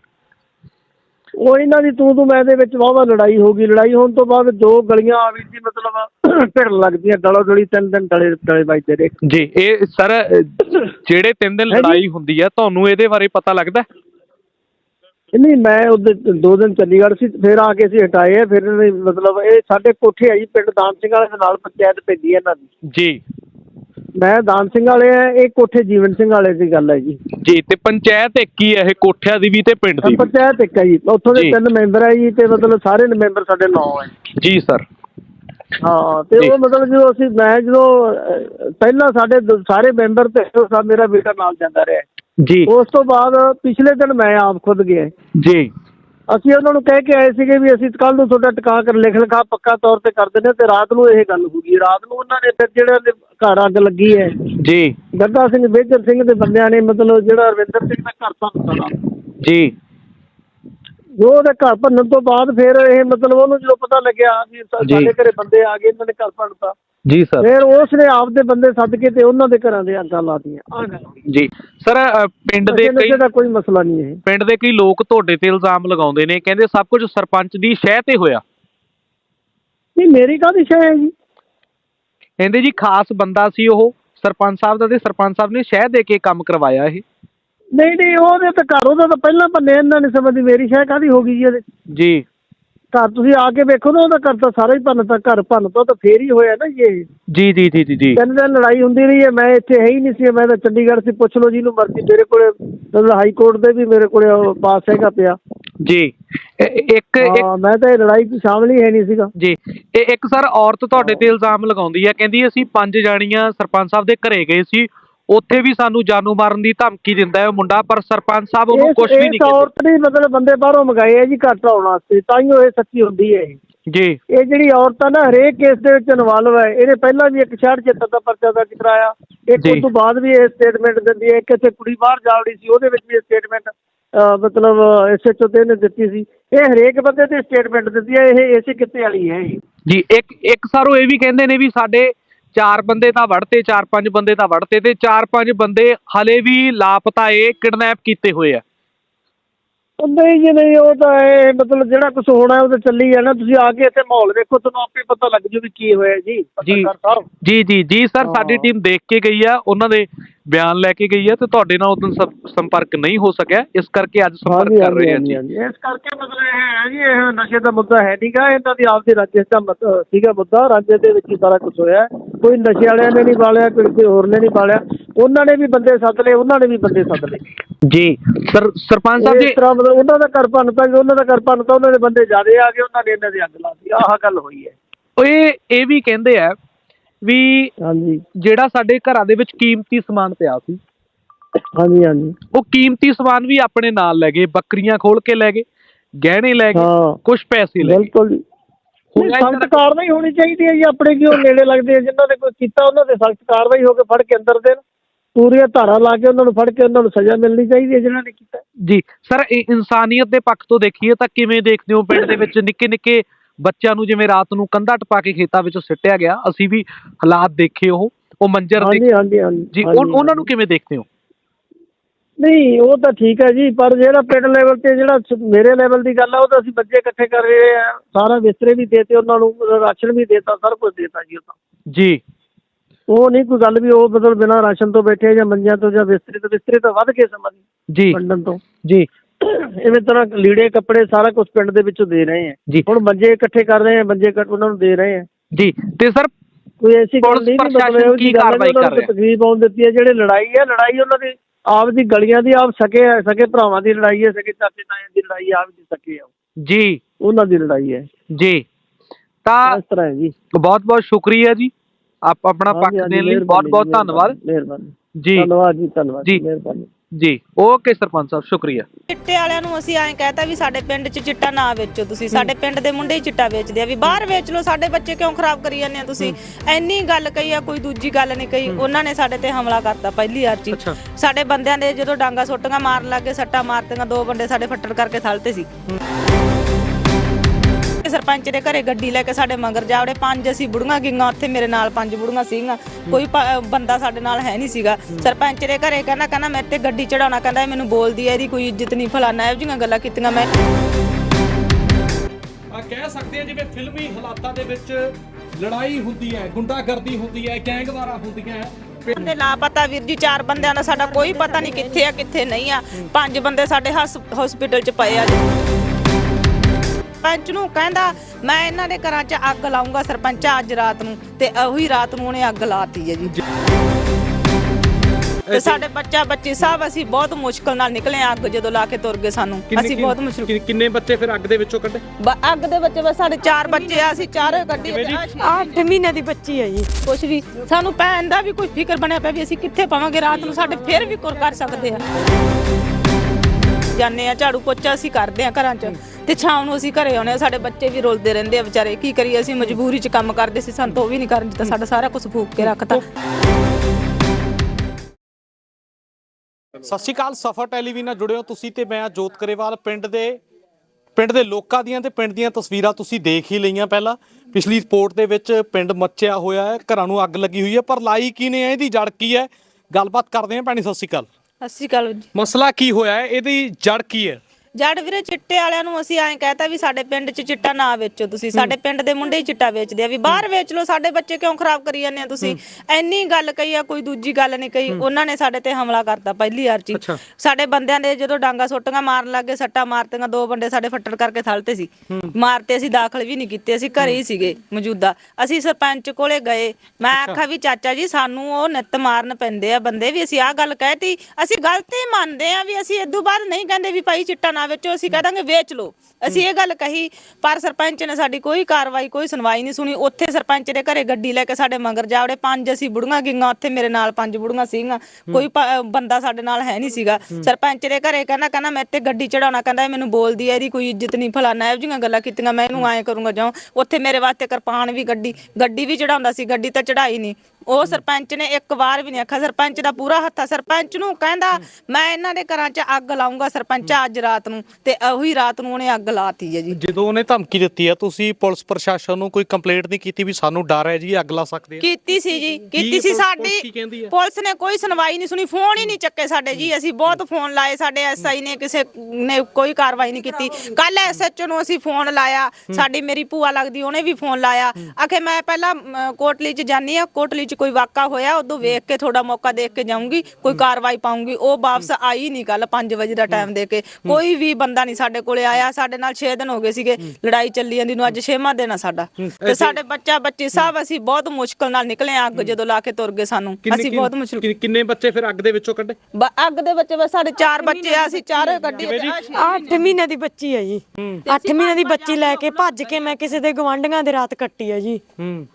A: ਉਹ ਇਹਨਾਂ ਦੀ ਤੂੰ ਤੂੰ ਮੈਂ ਦੇ ਵਿੱਚ ਵਾਹਵਾ ਲੜਾਈ ਹੋ ਗਈ। ਲੜਾਈ ਹੋਣ ਤੋਂ ਬਾਅਦ ਦੋ ਗਲੀਆਂ ਆ ਵੀ ਜੀ, ਮਤਲਬ ਭਿੜਨ ਲੱਗਦੀਆਂ, ਡਲੋ ਡਲੀ, ਤਿੰਨ ਦਿਨ ਡਲੇ ਡਲੇ ਵੱਜਦੇ ਰਹੇ
B: ਜੀ। ਇਹ ਸਰ ਜਿਹੜੇ ਤਿੰਨ ਦਿਨ ਲੜਾਈ ਹੁੰਦੀ ਹੈ, ਤੁਹਾਨੂੰ ਇਹਦੇ ਬਾਰੇ ਪਤਾ ਲੱਗਦਾ?
A: ਨਹੀਂ, ਮੈਂ ਉਹਦੇ ਦੋ ਦਿਨ ਚੰਡੀਗੜ੍ਹ ਸੀ, ਫਿਰ ਆ ਕੇ ਅਸੀਂ ਹਟਾਏ ਆ। ਫਿਰ ਮਤਲਬ ਇਹ ਸਾਡੇ ਕੋਠੇ ਆ ਜੀ, ਪਿੰਡ ਦਾਨ ਸਿੰਘ ਵਾਲੇ ਦੇ ਨਾਲ ਪੰਚਾਇਤ ਪੈਂਦੀ ਹੈ ਇਹਨਾਂ ਦੀ
B: ਜੀ।
A: ਮੈਂ ਦਾਨ ਸਿੰਘ ਵਾਲੇ ਆ, ਇਹ ਕੋਠੇ ਜੀਵਨ ਸਿੰਘ ਵਾਲੇ ਦੀ ਗੱਲ ਹੈ ਜੀ।
B: ਜੀ, ਤੇ ਪੰਚਾਇਤ ਇੱਕ ਹੀ ਹੈ ਇਹ, ਕੋਠਿਆਂ ਦੀ ਵੀ ਤੇ ਪਿੰਡ ਦੀ?
A: ਪੰਚਾਇਤ ਇੱਕ ਹੈ ਜੀ, ਉੱਥੋਂ ਦੇ ਤਿੰਨ ਮੈਂਬਰ ਹੈ ਜੀ, ਤੇ ਮਤਲਬ ਸਾਰੇ ਮੈਂਬਰ ਸਾਡੇ ਨੌ ਹੈ
B: ਜੀ ਸਰ।
A: ਹਾਂ, ਤੇ ਉਹ ਮਤਲਬ ਜਦੋਂ ਅਸੀਂ ਮੈਂ ਜਦੋਂ ਪਹਿਲਾਂ ਸਾਡੇ ਸਾਰੇ ਮੈਂਬਰ ਤੇ ਮੇਰਾ ਬੇਟਾ ਨਾਲ ਜਾਂਦਾ ਰਿਹਾ
B: ਜੀ।
A: ਉਸ ਤੋਂ ਬਾਅਦ ਪਿਛਲੇ ਦਿਨ ਮੈਂ ਆਪ ਖੁਦ ਗਿਆ
B: ਜੀ।
A: ਅਸੀਂ ਉਹਨਾਂ ਨੂੰ ਕਹਿ ਕੇ ਆਏ ਸੀਗੇ ਵੀ ਅਸੀਂ ਕੱਲ੍ਹ ਨੂੰ ਤੁਹਾਡਾ ਟਿਕਾ ਕਰ ਲਿਖ ਲਿਖਾ ਪੱਕਾ ਤੌਰ ਤੇ ਕਰ ਦਿੰਦੇ, ਤੇ ਰਾਤ ਨੂੰ ਇਹ ਗੱਲ ਹੋ ਗਈ। ਰਾਤ ਨੂੰ ਉਹਨਾਂ ਨੇ ਫਿਰ ਜਿਹੜਾ ਘਰ ਅੱਗ ਲੱਗੀ ਹੈ
B: ਜੀ,
A: ਗੱਗਾ ਸਿੰਘ ਮੇਜਰ ਸਿੰਘ ਦੇ ਬੰਦਿਆਂ ਨੇ, ਮਤਲਬ ਜਿਹੜਾ ਰਵਿੰਦਰ ਸਿੰਘ ਦਾ ਘਰ ਭੰਨਤਾ
B: ਜੀ।
A: ਜੋ ਉਹਦੇ ਘਰ ਭੰਨਣ ਤੋਂ ਬਾਅਦ ਫਿਰ ਇਹ ਮਤਲਬ ਉਹਨੂੰ ਜਦੋਂ ਪਤਾ ਲੱਗਿਆ ਵੀ ਸਾਡੇ ਘਰੇ ਬੰਦੇ ਆ ਗਏ, ਇਹਨਾਂ ਨੇ ਘਰ ਭੰਨਤਾ
B: ਜੀ ਸਰ।
A: ਫਿਰ ਉਸ ਨੇ ਆਪਦੇ ਬੰਦੇ ਸੱਦ ਕੇ ਤੇ ਉਹਨਾਂ ਦੇ ਘਰਾਂ ਦੇ ਅੱਗਾਂ ਲਾਤੀਆਂ।
B: ਜੀ ਸਰ, ਪਿੰਡ ਦੇ ਕਈ
A: ਦਾ ਕੋਈ ਮਸਲਾ ਨਹੀਂ ਹੈ।
B: ਪਿੰਡ ਦੇ ਕਈ ਲੋਕ ਤੁਹਾਡੇ ਤੇ ਇਲਜ਼ਾਮ ਲਗਾਉਂਦੇ ਨੇ, ਕਹਿੰਦੇ ਸਭ ਕੁਝ ਸਰਪੰਚ ਦੀ ਸ਼ਹਿ ਤੇ ਹੋਇਆ।
A: ਨਹੀਂ, ਮੇਰੀ ਕਾਹਦੀ ਸ਼ਹਿ ਹੈ ਜੀ?
B: ਕਹਿੰਦੇ ਜੀ ਖਾਸ ਬੰਦਾ ਸੀ ਉਹ ਸਰਪੰਚ ਸਾਹਿਬ ਦਾ, ਤੇ ਸਰਪੰਚ ਸਾਹਿਬ ਨੇ ਸ਼ਹਿ ਦੇ ਕੇ ਕੰਮ ਕਰਵਾਇਆ ਇਹ।
A: ਨਹੀਂ ਨਹੀਂ, ਉਹਦੇ ਤਾਂ ਘਰ ਉਹਦਾ ਤਾਂ ਪਹਿਲਾਂ ਭੰਨੇ ਇਹਨਾਂ ਨੇ, ਸਮਝਦੀ ਮੇਰੀ ਸ਼ਹਿ ਕਾਹਦੀ ਹੋ ਗਈ ਜੀ ਇਹਦੇ?
B: ਜੀ।
A: ਘਰ ਤੁਸੀਂ ਆ ਕੇ ਵੇਖੋ ਨਾ, ਉਹਦਾ ਘਰ ਤਾਂ ਸਾਰਾ ਹੀ ਭੰਨਤਾ, ਘਰ ਭੰਨਤਾ ਤਾਂ ਫੇਰ ਹੀ ਹੋਇਆ ਨਾ ਇਹ।
B: ਜੀ ਜੀ ਜੀ ਜੀ ਜੀ।
A: ਤਿੰਨ ਦਿਨ ਲੜਾਈ ਹੁੰਦੀ ਰਹੀ ਹੈ। ਮੈਂ ਇੱਥੇ ਹੈ ਹੀ ਨਹੀਂ ਸੀ, ਮੈਂ ਤਾਂ ਚੰਡੀਗੜ੍ਹ ਸੀ। ਪੁੱਛ ਲਓ ਜਿਹਨੂੰ ਮਰਜ਼ੀ, ਮੇਰੇ ਕੋਲੇ ਮਤਲਬ ਹਾਈ ਕੋਰਟ ਦੇ ਵੀ ਮੇਰੇ ਕੋਲੇ ਪਾਸ ਹੈਗਾ ਪਿਆ
B: ਜੀ। ਇੱਕ
A: ਹਾਂ, ਮੈਂ ਤਾਂ ਇਹ ਲੜਾਈ 'ਚ ਸ਼ਾਮਲ ਹੀ ਹੈ ਨਹੀਂ ਸੀਗਾ
B: ਜੀ। ਇਹ ਇੱਕ ਸਰ ਔਰਤ ਤੁਹਾਡੇ ਤੇ ਇਲਜ਼ਾਮ ਲਗਾਉਂਦੀ ਹੈ, ਕਹਿੰਦੀ ਅਸੀਂ ਪੰਜ ਜਾਣੀਆਂ ਸਰਪੰਚ ਸਾਹਿਬ ਦੇ ਘਰੇ ਗਏ ਸੀ, ਉੱਥੇ ਵੀ ਸਾਨੂੰ ਜਾਨੂ ਮਾਰਨ ਦੀ ਧਮਕੀ ਦਿੰਦਾ ਹੈ ਮੁੰਡਾ, ਪਰ ਸਰਪੰਚ ਸਾਹਿਬ ਉਹਨੂੰ ਕੁਝ ਵੀ ਨਹੀਂ ਕਹਿੰਦੇ।
A: ਔਰਤ ਨੇ ਮਤਲਬ ਬੰਦੇ ਬਾਹਰੋਂ ਮੰਗਾਏ ਆ ਜੀ ਘਰ ਆਉਣ ਵਾਸਤੇ, ਤਾਂ ਹੀ ਇਹ ਸੱਚੀ ਹੁੰਦੀ ਹੈ।
B: ਜੀ
A: ਇਹ ਜਿਹੜੀ ਔਰਤ ਆ ਨਾ ਹਰੇਕ ਕੇਸ ਦੇ ਵਿੱਚ ਇਨਵੋਲਵ ਹੈ। ਇਹਨੇ ਪਹਿਲਾਂ ਵੀ ਇੱਕ ਛਿਆਹਠ ਛਿਹੱਤਰ ਦਾ ਪਰਚਾ ਦਰਜ ਕਰਾਇਆ, ਇੱਕ
B: ਜੀ।
A: ਉਸ ਤੋਂ ਬਾਅਦ ਵੀ ਇਹ ਸਟੇਟਮੈਂਟ ਦਿੰਦੀ ਹੈ। ਇੱਕ ਇੱਥੇ ਕੁੜੀ ਬਾਹਰ ਜਾਵੜੀ ਸੀ, ਉਹਦੇ ਵਿੱਚ ਵੀ ਸਟੇਟਮੈਂਟ ਮਤਲਬ ਐਸ ਐਚ ਓ ਤੇ ਇਹਨੇ ਦਿੱਤੀ ਸੀ। ਇਹ ਹਰੇਕ ਬੰਦੇ ਤੇ ਸਟੇਟਮੈਂਟ ਦਿੰਦੀ ਹੈ। ਇਹ ਇਸੇ ਕਿੱਤੇ ਵਾਲੀ ਹੈ ਇਹ।
B: ਜੀ ਇੱਕ ਇੱਕ ਸਰ ਉਹ ਇਹ ਵੀ ਕਹਿੰਦੇ ਨੇ ਵੀ ਸਾਡੇ ਚਾਰ ਬੰਦੇ ਤਾਂ ਵੜਤੇ, ਚਾਰ ਪੰਜ ਬੰਦੇ ਤਾਂ ਵੜਤੇ ਤੇ ਚਾਰ ਪੰਜ ਬੰਦੇ ਹਲੇ ਵੀ ਲਾਪਤਾ ਏ, ਕਿਡਨੈਪ ਕੀਤੇ ਹੋਏ ਆ।
A: ਨਹੀਂ ਜੀ ਨਹੀਂ, ਉਹ ਤਾਂ ਇਹ ਮਤਲਬ ਜਿਹੜਾ ਕੁਝ ਹੋਣਾ ਉਹ ਤਾਂ ਚੱਲੀ ਜਾਣਾ। ਤੁਸੀਂ ਆ ਕੇ ਇੱਥੇ ਮਾਹੌਲ ਵੇਖੋ, ਤੁਹਾਨੂੰ ਆਪੇ ਪਤਾ ਲੱਗ ਜੂ ਵੀ ਕੀ ਹੋਇਆ ਜੀ।
B: ਜੀ
A: ਸਾਹਿਬ
B: ਜੀ ਜੀ ਜੀ ਸਰ, ਸਾਡੀ ਟੀਮ ਦੇਖ ਕੇ ਗਈ ਆ, ਉਹਨਾਂ ਦੇ ਬਿਆਨ ਲੈ ਕੇ ਗਈ ਆ ਤੇ ਤੁਹਾਡੇ ਨਾਲ ਉਦੋਂ ਸੰਪਰਕ ਨਹੀਂ ਹੋ ਸਕਿਆ, ਇਸ ਕਰਕੇ ਅੱਜ ਸੰਪਰਕ ਕਰ ਰਹੇ ਆ ਜੀ।
A: ਇਸ ਕਰਕੇ ਮਤਲਬ ਇਹ ਹੈ ਜੀ, ਇਹ ਨਸ਼ੇ ਦਾ ਮੁੱਦਾ ਹੈ ਨਹੀਂਗਾ, ਇਹਨਾਂ ਦੀ ਆਪਦੀ ਰਾਜੇਸ਼ ਦਾ ਮਤ ਸੀਗਾ ਮੁੱਦਾ। ਰਾਜੇ ਦੇ ਵਿੱਚ ਹੀ ਸਾਰਾ ਕੁਝ ਹੋਇਆ। ਕੋਈ ਨਸ਼ੇ ਵਾਲਿਆਂ ਨੇ ਨਹੀਂ ਪਾਲਿਆ, ਕੋਈ ਹੋਰ ਨੇ ਨਹੀਂ ਪਾਲਿਆ। ਉਹਨਾਂ ਨੇ ਵੀ ਬੰਦੇ ਸੱਦ ਲਏ, ਉਹਨਾਂ ਨੇ ਵੀ ਬੰਦੇ ਸੱਦ ਲਏ
B: ਜੀ। ਸਰ ਸਰਪੰਚ ਸਾਹਿਬ ਜੀ,
A: ਇਸ ਤਰ੍ਹਾਂ ਮਤਲਬ ਉਹਨਾਂ ਦਾ ਘਰ ਭੰਨਤਾ, ਉਹਨਾਂ ਦਾ ਘਰ ਭੰਨਤਾ, ਉਹਨਾਂ ਦੇ ਬੰਦੇ ਜ਼ਿਆਦੇ ਆ ਗਏ, ਉਹਨਾਂ ਨੇ ਇਹਨਾਂ ਦੀ ਅੱਗ ਲਾ ਦਿੱਤੀ। ਆਹ ਗੱਲ ਹੋਈ ਹੈ।
B: ਉਹ ਇਹ ਇਹ ਵੀ ਕਹਿੰਦੇ ਆ ਵੀ
A: ਹਾਂਜੀ
B: ਜਿਹੜਾ ਸਾਡੇ ਘਰਾਂ ਦੇ ਵਿੱਚ ਕੀਮਤੀ ਸਮਾਨ ਪਿਆ ਸੀ,
A: ਹਾਂਜੀ ਹਾਂਜੀ,
B: ਉਹ ਕੀਮਤੀ ਸਮਾਨ ਵੀ ਆਪਣੇ ਨਾਲ ਲੈ ਗਏ, ਬੱਕਰੀਆਂ ਖੋਲ ਕੇ ਲੈ ਗਏ, ਗਹਿਣੇ ਲੈ ਗਏ,
A: ਹਾਂ
B: ਕੁਝ ਪੈਸੇ ਲੈ ਗਏ।
A: ਬਿਲਕੁਲ ਜੀ। ਸਖਤ ਕਾਰਵਾਈ ਹੋਣੀ ਚਾਹੀਦੀ ਹੈ ਜੀ। ਆਪਣੇ ਕਿਉਂ ਨੇੜੇ ਲੱਗਦੇ ਆ, ਜਿਨ੍ਹਾਂ ਨੇ ਕੋਈ ਕੀਤਾ ਉਹਨਾਂ ਦੇ ਸਖਤ ਕਾਰਵਾਈ ਹੋ ਕੇ ਫੜ ਕੇ ਅੰਦਰ ਦੇਣ, ਪੂਰੀਆਂ ਧਾਰਾ ਲਾ ਕੇ ਉਹਨਾਂ ਨੂੰ ਫੜ ਕੇ ਉਹਨਾਂ ਨੂੰ ਸਜ਼ਾ ਮਿਲਣੀ ਚਾਹੀਦੀ ਹੈ ਜਿਨ੍ਹਾਂ ਨੇ ਕੀਤਾ
B: ਜੀ। ਸਰ ਇਨਸਾਨੀਅਤ ਦੇ ਪੱਖ ਤੋਂ ਦੇਖੀਏ ਤਾਂ ਕਿਵੇਂ ਦੇਖਦੇ ਹੋ ਪਿੰਡ ਦੇ ਵਿੱਚ ਨਿੱਕੇ ਨਿੱਕੇ ਬੱਚਿਆਂ ਨੂੰ ਜਿਵੇਂ ਰਾਤ ਨੂੰ ਕੰਧਾ ਟਪਾ ਕੇ ਖੇਤਾਂ ਵਿੱਚ ਸਿੱਟਿਆ ਗਿਆ? ਅਸੀਂ ਵੀ ਹਾਲਾਤ ਦੇਖੇ, ਉਹ ਉਹ ਮੰਜ਼ਰ ਦੇਖੇ
A: ਹਾਂਜੀ ਹਾਂਜੀ
B: ਜੀ। ਉਹਨਾਂ ਨੂੰ ਕਿਵੇਂ ਦੇਖਦੇ ਹੋ?
A: ਨਹੀਂ ਉਹ ਤਾਂ ਠੀਕ ਹੈ ਜੀ, ਪਰ ਜਿਹੜਾ ਪਿੰਡ ਲੈਵਲ ਤੇ ਜਿਹੜਾ ਮੇਰੇ ਲੈਵਲ ਦੀ ਗੱਲ ਆ, ਉਹ ਤਾਂ ਅਸੀਂ ਬੱਚੇ ਇਕੱਠੇ ਕਰ ਰਹੇ ਆ, ਸਾਰਾ ਬਿਸਤਰੇ ਵੀ ਦੇਤੇ ਉਹਨਾਂ ਨੂੰ, ਰਾਸ਼ਨ ਵੀ ਦੇਤਾ, ਸਾਰਾ ਕੁਝ ਦੇਤਾ ਜੀ। ਉਹ ਤਾਂ
B: ਜੀ
A: ਉਹ ਨਹੀਂ ਕੋਈ ਗੱਲ ਵੀ ਉਹ ਮਤਲਬ ਬਿਨਾਂ ਰਾਸ਼ਨ ਤੋਂ ਬੈਠੇ ਜਾਂ ਮੰਜਿਆਂ ਤੋਂ ਜਾਂ ਬਿਸਤਰੇ ਤੋਂ, ਬਿਸਤਰੇ ਤਾਂ ਵੱਧ ਕੇ ਸਮਾਂ
B: ਜੀ
A: ਵੰਡਣ ਤੋਂ
B: ਜੀ।
A: ਇਵੇਂ ਤਰ੍ਹਾਂ ਲੀੜੇ ਕੱਪੜੇ ਸਾਰਾ ਕੁਝ ਪਿੰਡ ਦੇ ਵਿੱਚੋਂ ਦੇ ਰਹੇ ਆ ਜੀ। ਹੁਣ ਮੰਜੇ ਇਕੱਠੇ ਕਰ ਰਹੇ ਆ, ਮੰਜੇ ਉਹਨਾਂ ਨੂੰ ਦੇ ਰਹੇ ਆ
B: ਜੀ। ਤੇ ਸਰ
A: ਕੋਈ ਐਸੀ ਗੱਲ ਨਹੀਂ ਮਤਲਬ ਕੀ ਕਾਰਵਾਈ ਕਰ ਰਿਹਾ ਤਕਲੀਫ ਆਉਣ ਦਿੱਤੀ ਹੈ। ਜਿਹੜੇ ਲੜਾਈ ਹੈ, ਲੜਾਈ ਉਹਨਾਂ ਦੀ ਆਪ ਦੀ ਗਲੀਆਂ ਦੀ, ਆਪ ਸਕੇ ਸਕੇ ਭਰਾਵਾਂ ਦੀ ਲੜਾਈ ਹੈ, ਸਕੇ ਚਾਚੇ ਤਾਇਆਂ ਦੀ ਲੜਾਈ, ਆਪ ਦੀ ਸਕੇ ਆ
B: ਜੀ, ਉਹਨਾਂ
A: ਦੀ ਲੜਾਈ ਹੈ
B: ਜੀ। ਤਾਂ
A: ਇਸ ਤਰ੍ਹਾਂ ਹੈ ਜੀ।
B: ਬਹੁਤ ਬਹੁਤ ਸ਼ੁਕਰੀਆ ਜੀ, ਆਪ ਆਪਣਾ ਪੱਖ ਦੇਣ ਲਈ ਬਹੁਤ ਬਹੁਤ ਧੰਨਵਾਦ।
A: ਮਿਹਰਬਾਨੀ
B: ਜੀ,
A: ਧੰਨਵਾਦ ਜੀ, ਧੰਨਵਾਦ
B: ਜੀ,
A: ਮਿਹਰਬਾਨੀ
B: ਜੀ। ਓਕੇ ਸਰਪੰਚ ਸਾਹਿਬ, ਸ਼ੁਕਰੀਆ।
C: ਚਿੱਟੇ ਵਾਲਿਆਂ ਨੂੰ ਅਸੀਂ ਐਂ ਕਹਤਾ ਵੀ ਸਾਡੇ ਪਿੰਡ 'ਚ ਚਿੱਟਾ ਨਾ ਵੇਚੋ ਤੁਸੀਂ, ਸਾਡੇ ਪਿੰਡ ਦੇ ਮੁੰਡੇ ਹੀ ਚਿੱਟਾ ਵੇਚਦੇ ਆ, ਵੀ ਬਾਹਰ ਵੇਚ ਲਓ, ਸਾਡੇ ਬੱਚੇ ਕਿਉਂ ਖਰਾਬ ਕਰੀ ਜਾਂਦੇ ਆ ਤੁਸੀਂ? ਇੰਨੀ ਗੱਲ ਕਹੀ ਆ, ਕੋਈ ਦੂਜੀ ਗੱਲ ਨਹੀਂ ਕਹੀ। ਉਹਨਾਂ ਨੇ ਸਾਡੇ ਤੇ ਹਮਲਾ ਕਰਤਾ ਪਹਿਲੀ ਵਾਰ 'ਚ। ਸਾਡੇ ਬੰਦਿਆਂ ਦੇ ਜਦੋਂ ਡਾਂਗਾ ਸੁੱਟੀਆਂ ਮਾਰਨ ਲੱਗੇ, ਸੱਟਾਂ ਮਾਰਤੀਆਂ, ਦੋ ਬੰਦੇ ਸਾਡੇ ਫੱਟੜ ਕਰਕੇ ਥਲਤੇ ਸੀ। ਸਰਪੰਚ ਦੇ ਘਰੇ ਗੱਡੀ ਲੈ ਕੇ ਸਾਡੇ ਮਗਰ ਜਾਵੜੇ, ਪੰਜ ਅਸੀਂ ਬੁੜੀਆਂ ਗਈਆਂ ਉੱਥੇ, ਮੇਰੇ ਨਾਲ ਪੰਜ ਬੁੜੀਆਂ ਸੀਗੀਆਂ, ਕੋਈ ਬੰਦਾ ਸਾਡੇ ਨਾਲ ਹੈ ਨਹੀਂ ਸੀਗਾ। ਸਰਪੰਚ ਦੇ ਘਰੇ ਕਹਿੰਦਾ ਕਹਿੰਦਾ ਮੇਰੇ ਤੇ ਗੱਡੀ ਚੜਾਉਣਾ, ਕਹਿੰਦਾ ਮੈਨੂੰ ਬੋਲਦੀ ਹੈ, ਇਹਦੀ ਕੋਈ ਇੱਜ਼ਤ ਨਹੀਂ, ਫਲਾਨਾ, ਇਹੋ ਜਿਹੀਆਂ ਗੱਲਾਂ ਕੀਤੀਆਂ। ਮੈਂ
D: ਆ ਕਹਿ ਸਕਦੇ ਆ ਜਿਵੇਂ ਫਿਲਮੀ ਹਾਲਾਤਾਂ ਦੇ ਵਿੱਚ ਲੜਾਈ ਹੁੰਦੀ ਹੈ, ਗੁੰਡਾਗਰਦੀ ਹੁੰਦੀ ਹੈ, ਗੈਂਗਵਾਰਾਂ ਹੁੰਦੀਆਂ ਹੈ।
C: ਬੰਦੇ ਲਾਪਤਾ ਵੀਰ ਜੀ, ਚਾਰ ਬੰਦਿਆਂ ਦਾ ਸਾਡਾ ਕੋਈ ਪਤਾ ਨਹੀਂ ਕਿੱਥੇ ਆ ਕਿੱਥੇ ਨਹੀਂ ਆ। ਪੰਜ ਬੰਦੇ ਸਾਡੇ ਹਸਪੀਟਲ 'ਚ ਪਏ ਆ। ਸਰਪੰਚ ਨੂੰ ਕਹਿੰਦਾ ਮੈਂ ਇਹਨਾਂ ਦੇ ਘਰਾਂ 'ਚ ਅੱਗ ਲਾਉਂਗਾ ਸਰਪੰਚ ਅੱਜ ਰਾਤ ਨੂੰ, ਤੇ ਉਹੀ ਰਾਤ ਨੂੰ ਉਹਨੇ ਅੱਗ ਲਾਤੀ ਹੈ ਜੀ। ਤੇ ਸਾਡੇ ਬੱਚਾ ਬੱਚੀ ਸਭ ਅਸੀਂ ਬਹੁਤ ਮੁਸ਼ਕਲ ਨਾਲ ਨਿਕਲੇ, ਅੱਗ ਜਦੋਂ ਲਾ ਕੇ ਤੁਰ ਗਏ ਸਾਨੂੰ, ਅਸੀਂ ਬਹੁਤ ਮੁਸ਼ਕਲ।
D: ਕਿੰਨੇ ਬੱਚੇ ਫਿਰ ਅੱਗ ਦੇ ਵਿੱਚੋਂ ਕੱਢੇ?
C: ਅੱਗ ਦੇ ਬੱਚੇ ਬਸ ਸਾਡੇ ਚਾਰ ਬੱਚੇ ਆ, ਅਸੀਂ ਚਾਰੇ ਕੱਢੇ। ਅੱਠ ਮਹੀਨੇ ਦੀ ਬੱਚੀ ਹੈ ਜੀ। ਕੁਛ ਵੀ ਸਾਨੂੰ ਭੈਣ ਦਾ ਵੀ ਕੋਈ ਫਿਕਰ ਬਣਿਆ ਪਿਆ ਵੀ ਅਸੀਂ ਕਿੱਥੇ ਪਾਵਾਂਗੇ ਰਾਤ ਨੂੰ, ਸਾਡੇ ਫਿਰ ਵੀ ਕੁਰ ਕਰ ਸਕਦੇ ਆ। ਜਾਂਦੇ ਆ, ਝਾੜੂ ਪੋਚਾ ਅਸੀਂ ਕਰਦੇ ਆ ਘਰਾਂ 'ਚ, ਤੇ ਸ਼ਾਮ ਨੂੰ ਅਸੀਂ ਘਰੇ ਆਉਣੇ ਆ। ਸਾਡੇ ਬੱਚੇ ਵੀ ਰੁਲਦੇ ਰਹਿੰਦੇ ਆ ਵਿਚਾਰੇ, ਕੀ ਕਰੀਏ? ਅਸੀਂ ਮਜਬੂਰੀ 'ਚ ਕੰਮ ਕਰਦੇ ਸੀ, ਸਾਨੂੰ ਤਾਂ ਉਹ ਵੀ ਨਹੀਂ ਕਰਨ ਦਿੱਤਾ, ਸਾਡਾ ਸਾਰਾ ਕੁਝ ਫੂਕ ਕੇ ਰੱਖਤਾ।
D: ਸਤਿ ਸ਼੍ਰੀ ਅਕਾਲ, ਸਫਰ ਟੈਲੀਵਿਜ਼ਨ ਨਾਲ ਜੁੜੇ ਹੋ ਤੁਸੀਂ ਤੇ ਮੈਂ ਜੋਤ ਕਰੇਵਾਲ। ਪਿੰਡ ਦੇ ਪਿੰਡ ਦੇ ਲੋਕਾਂ ਦੀਆਂ ਤੇ ਪਿੰਡ ਦੀਆਂ ਤਸਵੀਰਾਂ ਤੁਸੀਂ ਦੇਖ ਹੀ ਲਈਆਂ। ਪਹਿਲਾਂ ਪਿਛਲੀ ਰਿਪੋਰਟ ਦੇ ਵਿੱਚ ਪਿੰਡ ਮੱਚਿਆ ਹੋਇਆ ਹੈ, ਘਰਾਂ ਨੂੰ ਅੱਗ ਲੱਗੀ ਹੋਈ ਹੈ, ਪਰ ਲਾਈ ਕੀ ਨੇ, ਇਹਦੀ ਜੜ ਕੀ ਹੈ? ਗੱਲਬਾਤ ਕਰਦੇ ਹਾਂ। ਭੈਣੀ ਸਤਿ ਸ਼੍ਰੀ ਅਕਾਲ।
C: ਸਤਿ ਸ਼੍ਰੀ ਅਕਾਲ ਜੀ।
D: ਮਸਲਾ ਕੀ ਹੋਇਆ ਹੈ, ਇਹਦੀ ਜੜ ਕੀ ਹੈ?
C: ਜੜ ਵੀਰੇ ਚਿੱਟੇ ਵਾਲਿਆਂ ਨੂੰ ਅਸੀਂ ਐਂ ਕਹਤਾ ਵੀ ਸਾਡੇ ਪਿੰਡ 'ਚ ਚਿੱਟਾ ਨਾ ਵੇਚੋ ਤੁਸੀਂ, ਸਾਡੇ ਪਿੰਡ ਦੇ ਮੁੰਡੇ ਹੀ ਚਿੱਟਾ ਵੇਚਦੇ ਆ, ਵੀ ਬਾਹਰ ਵੇਚ ਲਓ, ਸਾਡੇ ਬੱਚੇ ਕਿਉਂ ਖਰਾਬ ਕਰੀ ਜਾਂਦੇ ਆ ਤੁਸੀਂ? ਇੰਨੀ ਗੱਲ ਕਹੀ ਆ, ਕੋਈ ਦੂਜੀ ਗੱਲ ਨਹੀਂ ਕਹੀ। ਉਹਨਾਂ ਨੇ ਸਾਡੇ ਤੇ ਹਮਲਾ ਕਰਤਾ ਪਹਿਲੀ ਵਾਰ 'ਚ। ਸਾਡੇ ਬੰਦਿਆਂ ਦੇ ਜਦੋਂ ਡਾਂਗਾ ਸੁੱਟੀਆਂ ਮਾਰਨ ਲੱਗੇ, ਸੱਟਾਂ ਮਾਰਤੀਆਂ, ਦੋ ਬੰਦੇ ਸਾਡੇ ਫੱਟੜ ਕਰਕੇ ਥਲਤੇ ਸੀ, ਮਾਰਤੇ। ਅਸੀਂ ਦਾਖਲ ਵੀ ਨਹੀਂ ਕੀਤੇ, ਅਸੀਂ ਘਰੇ ਹੀ ਸੀਗੇ ਮੌਜੂਦਾ। ਅਸੀਂ ਸਰਪੰਚ ਕੋਲੇ ਗਏ, ਮੈਂ ਆਖਿਆ ਵੀ ਚਾਚਾ ਜੀ ਸਾਨੂੰ ਉਹ ਨਿੱਤ ਮਾਰਨ ਪੈਂਦੇ ਆ ਬੰਦੇ, ਵੀ ਅਸੀਂ ਆਹ ਗੱਲ ਕਹਿਤੀ, ਅਸੀਂ ਗਲਤੀ ਮੰਨਦੇ ਆ, ਵੀ ਅਸੀਂ ਇਦੋਂ ਬਾਅਦ ਨਹੀਂ ਕਹਿੰਦੇ ਵੀ ਭਾਈ ਚਿੱਟਾ ਦਿਨਾਂ ਵਿੱਚ ਅਸੀਂ ਕਹਿ ਦਾਂਗੇ ਵੇਚ ਲਓ। ਅਸੀਂ ਇਹ ਗੱਲ ਕਹੀ ਪਰ ਸਰਪੰਚ ਨੇ ਸਾਡੀ ਕੋਈ ਕਾਰਵਾਈ ਕੋਈ ਸੁਣਵਾਈ ਨਹੀਂ ਸੁਣੀ। ਉੱਥੇ ਸਰਪੰਚ ਦੇ ਘਰੇ ਗੱਡੀ ਲੈ ਕੇ ਸਾਡੇ ਮਗਰ ਜਾਵੜੇ, ਪੰਜ ਅਸੀਂ ਬੁੜੀਆਂ ਗਈਆਂ ਉੱਥੇ, ਮੇਰੇ ਨਾਲ ਪੰਜ ਬੁੜੀਆਂ ਸੀਗੀਆਂ, ਕੋਈ ਬੰਦਾ ਸਾਡੇ ਨਾਲ ਹੈ ਨਹੀਂ ਸੀਗਾ। ਸਰਪੰਚ ਦੇ ਘਰੇ ਕਹਿੰਦਾ ਕਹਿੰਦਾ ਮੈਂ ਤੇ ਗੱਡੀ ਚੜਾਉਣਾ, ਕਹਿੰਦਾ ਮੈਨੂੰ ਬੋਲਦੀ ਐ, ਇਹਦੀ ਕੋਈ ਇੱਜ਼ਤ ਨਹੀਂ, ਫਲਾਣਾ ਇਹੋ ਜਿਹੀਆਂ ਗੱਲਾਂ ਕੀਤੀਆਂ, ਮੈਂ ਇਹਨੂੰ ਐਂ ਕਰੂੰਗਾ ਜਾਉ। ਉੱਥੇ ਮੇਰੇ ਵਾਸਤੇ ਕਿਰਪਾਨ ਵੀ ਗੱਡੀ ਗੱਡੀ ਵੀ ਚੜਾਉਂਦਾ ਸੀ, ਗੱਡੀ ਤਾਂ ਚੜਾਈ ਨਹੀਂ। ਉਹ ਸਰਪੰਚ ਨੇ ਇੱਕ ਵਾਰ ਵੀ ਨਹੀਂ ਆਖਿਆ। ਸਰਪੰਚ ਦਾ ਪੂਰਾ ਹੱਥਾ। ਸਰਪੰਚ ਨੂੰ ਕਹਿੰਦਾ ਮੈਂ ਇਹਨਾਂ ਦੇ ਘਰਾਂ 'ਚ ਅੱਗ ਲਾਉਂਗਾ ਸਰਪੰਚ ਅੱਜ ਰਾਤ ਨੂੰ, ਤੇ ਉਹੀ ਰਾਤ ਨੂੰ ਉਹਨੇ ਅੱਗ ਲਾਤੀ ਹੈ ਜੀ।
D: ਜਦੋਂ ਉਹਨੇ ਧਮਕੀ ਦਿੱਤੀ ਆ ਤੁਸੀਂ ਪੁਲਿਸ ਪ੍ਰਸ਼ਾਸਨ ਨੂੰ ਕੋਈ ਕੰਪਲੇਂਟ ਨਹੀਂ ਕੀਤੀ ਵੀ ਸਾਨੂੰ ਡਰ ਹੈ ਜੀ ਅੱਗ ਲਾ ਸਕਦੇ ਆ?
C: ਕੀਤੀ ਸੀ ਜੀ, ਕੀਤੀ ਸੀ। ਸਾਡੀ ਪੁਲਿਸ ਨੇ ਕੋਈ ਸੁਣਵਾਈ ਨਹੀਂ ਸੁਣੀ, ਫੋਨ ਹੀ ਨਹੀਂ ਚੱਕੇ ਸਾਡੇ ਜੀ। ਅਸੀਂ ਬਹੁਤ ਫੋਨ ਲਾਏ, ਸਾਡੇ ਐਸਆਈ ਨੇ ਕਿਸੇ ਨੇ ਕੋਈ ਕਾਰਵਾਈ ਨਹੀਂ ਕੀਤੀ। ਕੱਲ ਐਸਐਚਓ ਨੂੰ ਅਸੀਂ ਫੋਨ ਲਾਇਆ, ਸਾਡੀ ਮੇਰੀ ਭੂਆ ਲੱਗਦੀ ਉਹਨੇ ਵੀ ਫੋਨ ਲਾਇਆ। ਆਖੇ ਮੈਂ ਪਹਿਲਾਂ ਕੋਟਲੀ 'ਚ ਜਾਨੀ ਆ, ਕੋਟਲੀ 'ਚ ਕੋਈ ਵਾਕਾ ਹੋਇਆ ਉਦੋਂ ਵੇਖ ਕੇ ਥੋੜਾ ਮੌਕਾ ਦੇਖ ਕੇ ਜਾਊਂਗੀ, ਕੋਈ ਕਾਰਵਾਈ ਪਾਉਂਗੀ। ਉਹ ਵਾਪਸ ਆਈ ਨਹੀਂ ਕੱਲ ਪੰਜ ਵਜੇ ਦਾ ਟਾਈਮ ਦੇ ਕੇ, ਕੋਈ ਵੀ ਬੰਦਾ ਨਹੀਂ ਸਾਡੇ ਕੋਲੇ ਆਇਆ। ਸਾਡੇ ਨਾਲ ਛੇ ਦਿਨ ਹੋ ਗਏ ਸੀਗੇ ਲੜਾਈ ਚੱਲੀ ਜਾਂਦੀ ਨੂੰ, ਅੱਜ ਛੇਵਾਂ ਦਿਨ ਆ ਸਾਡਾ। ਤੇ ਸਾਡੇ ਬੱਚਾ ਬੱਚੀ ਸਭ ਅਸੀਂ ਬਹੁਤ ਮੁਸ਼ਕਲ ਨਾਲ ਨਿਕਲੇ ਆ। ਅੱਗ ਜਦੋਂ ਲਾ ਕੇ ਤੁਰ ਗਏ ਸਾਨੂੰ, ਅਸੀਂ ਬਹੁਤ ਮੁਸ਼ਕਲ।
D: ਕਿੰਨੇ ਬੱਚੇ ਫਿਰ ਅੱਗ ਦੇ ਵਿੱਚੋਂ ਕੱਢੇ?
C: ਅੱਗ ਦੇ ਬੱਚੇ ਬਸ ਸਾਡੇ ਚਾਰ ਬੱਚੇ ਆ, ਅਸੀਂ ਚਾਰੇ ਕੱਢੇ।
E: ਅੱਠ ਮਹੀਨੇ ਦੀ ਬੱਚੀ ਹੈ ਜੀ, ਅੱਠ ਮਹੀਨੇ ਦੀ ਬੱਚੀ ਲੈ ਕੇ ਭੱਜ ਕੇ ਮੈਂ ਕਿਸੇ ਦੇ ਗਵਾਂਢੀਆਂ ਦੇ ਰਾਤ ਕੱਟੀ ਹੈ ਜੀ।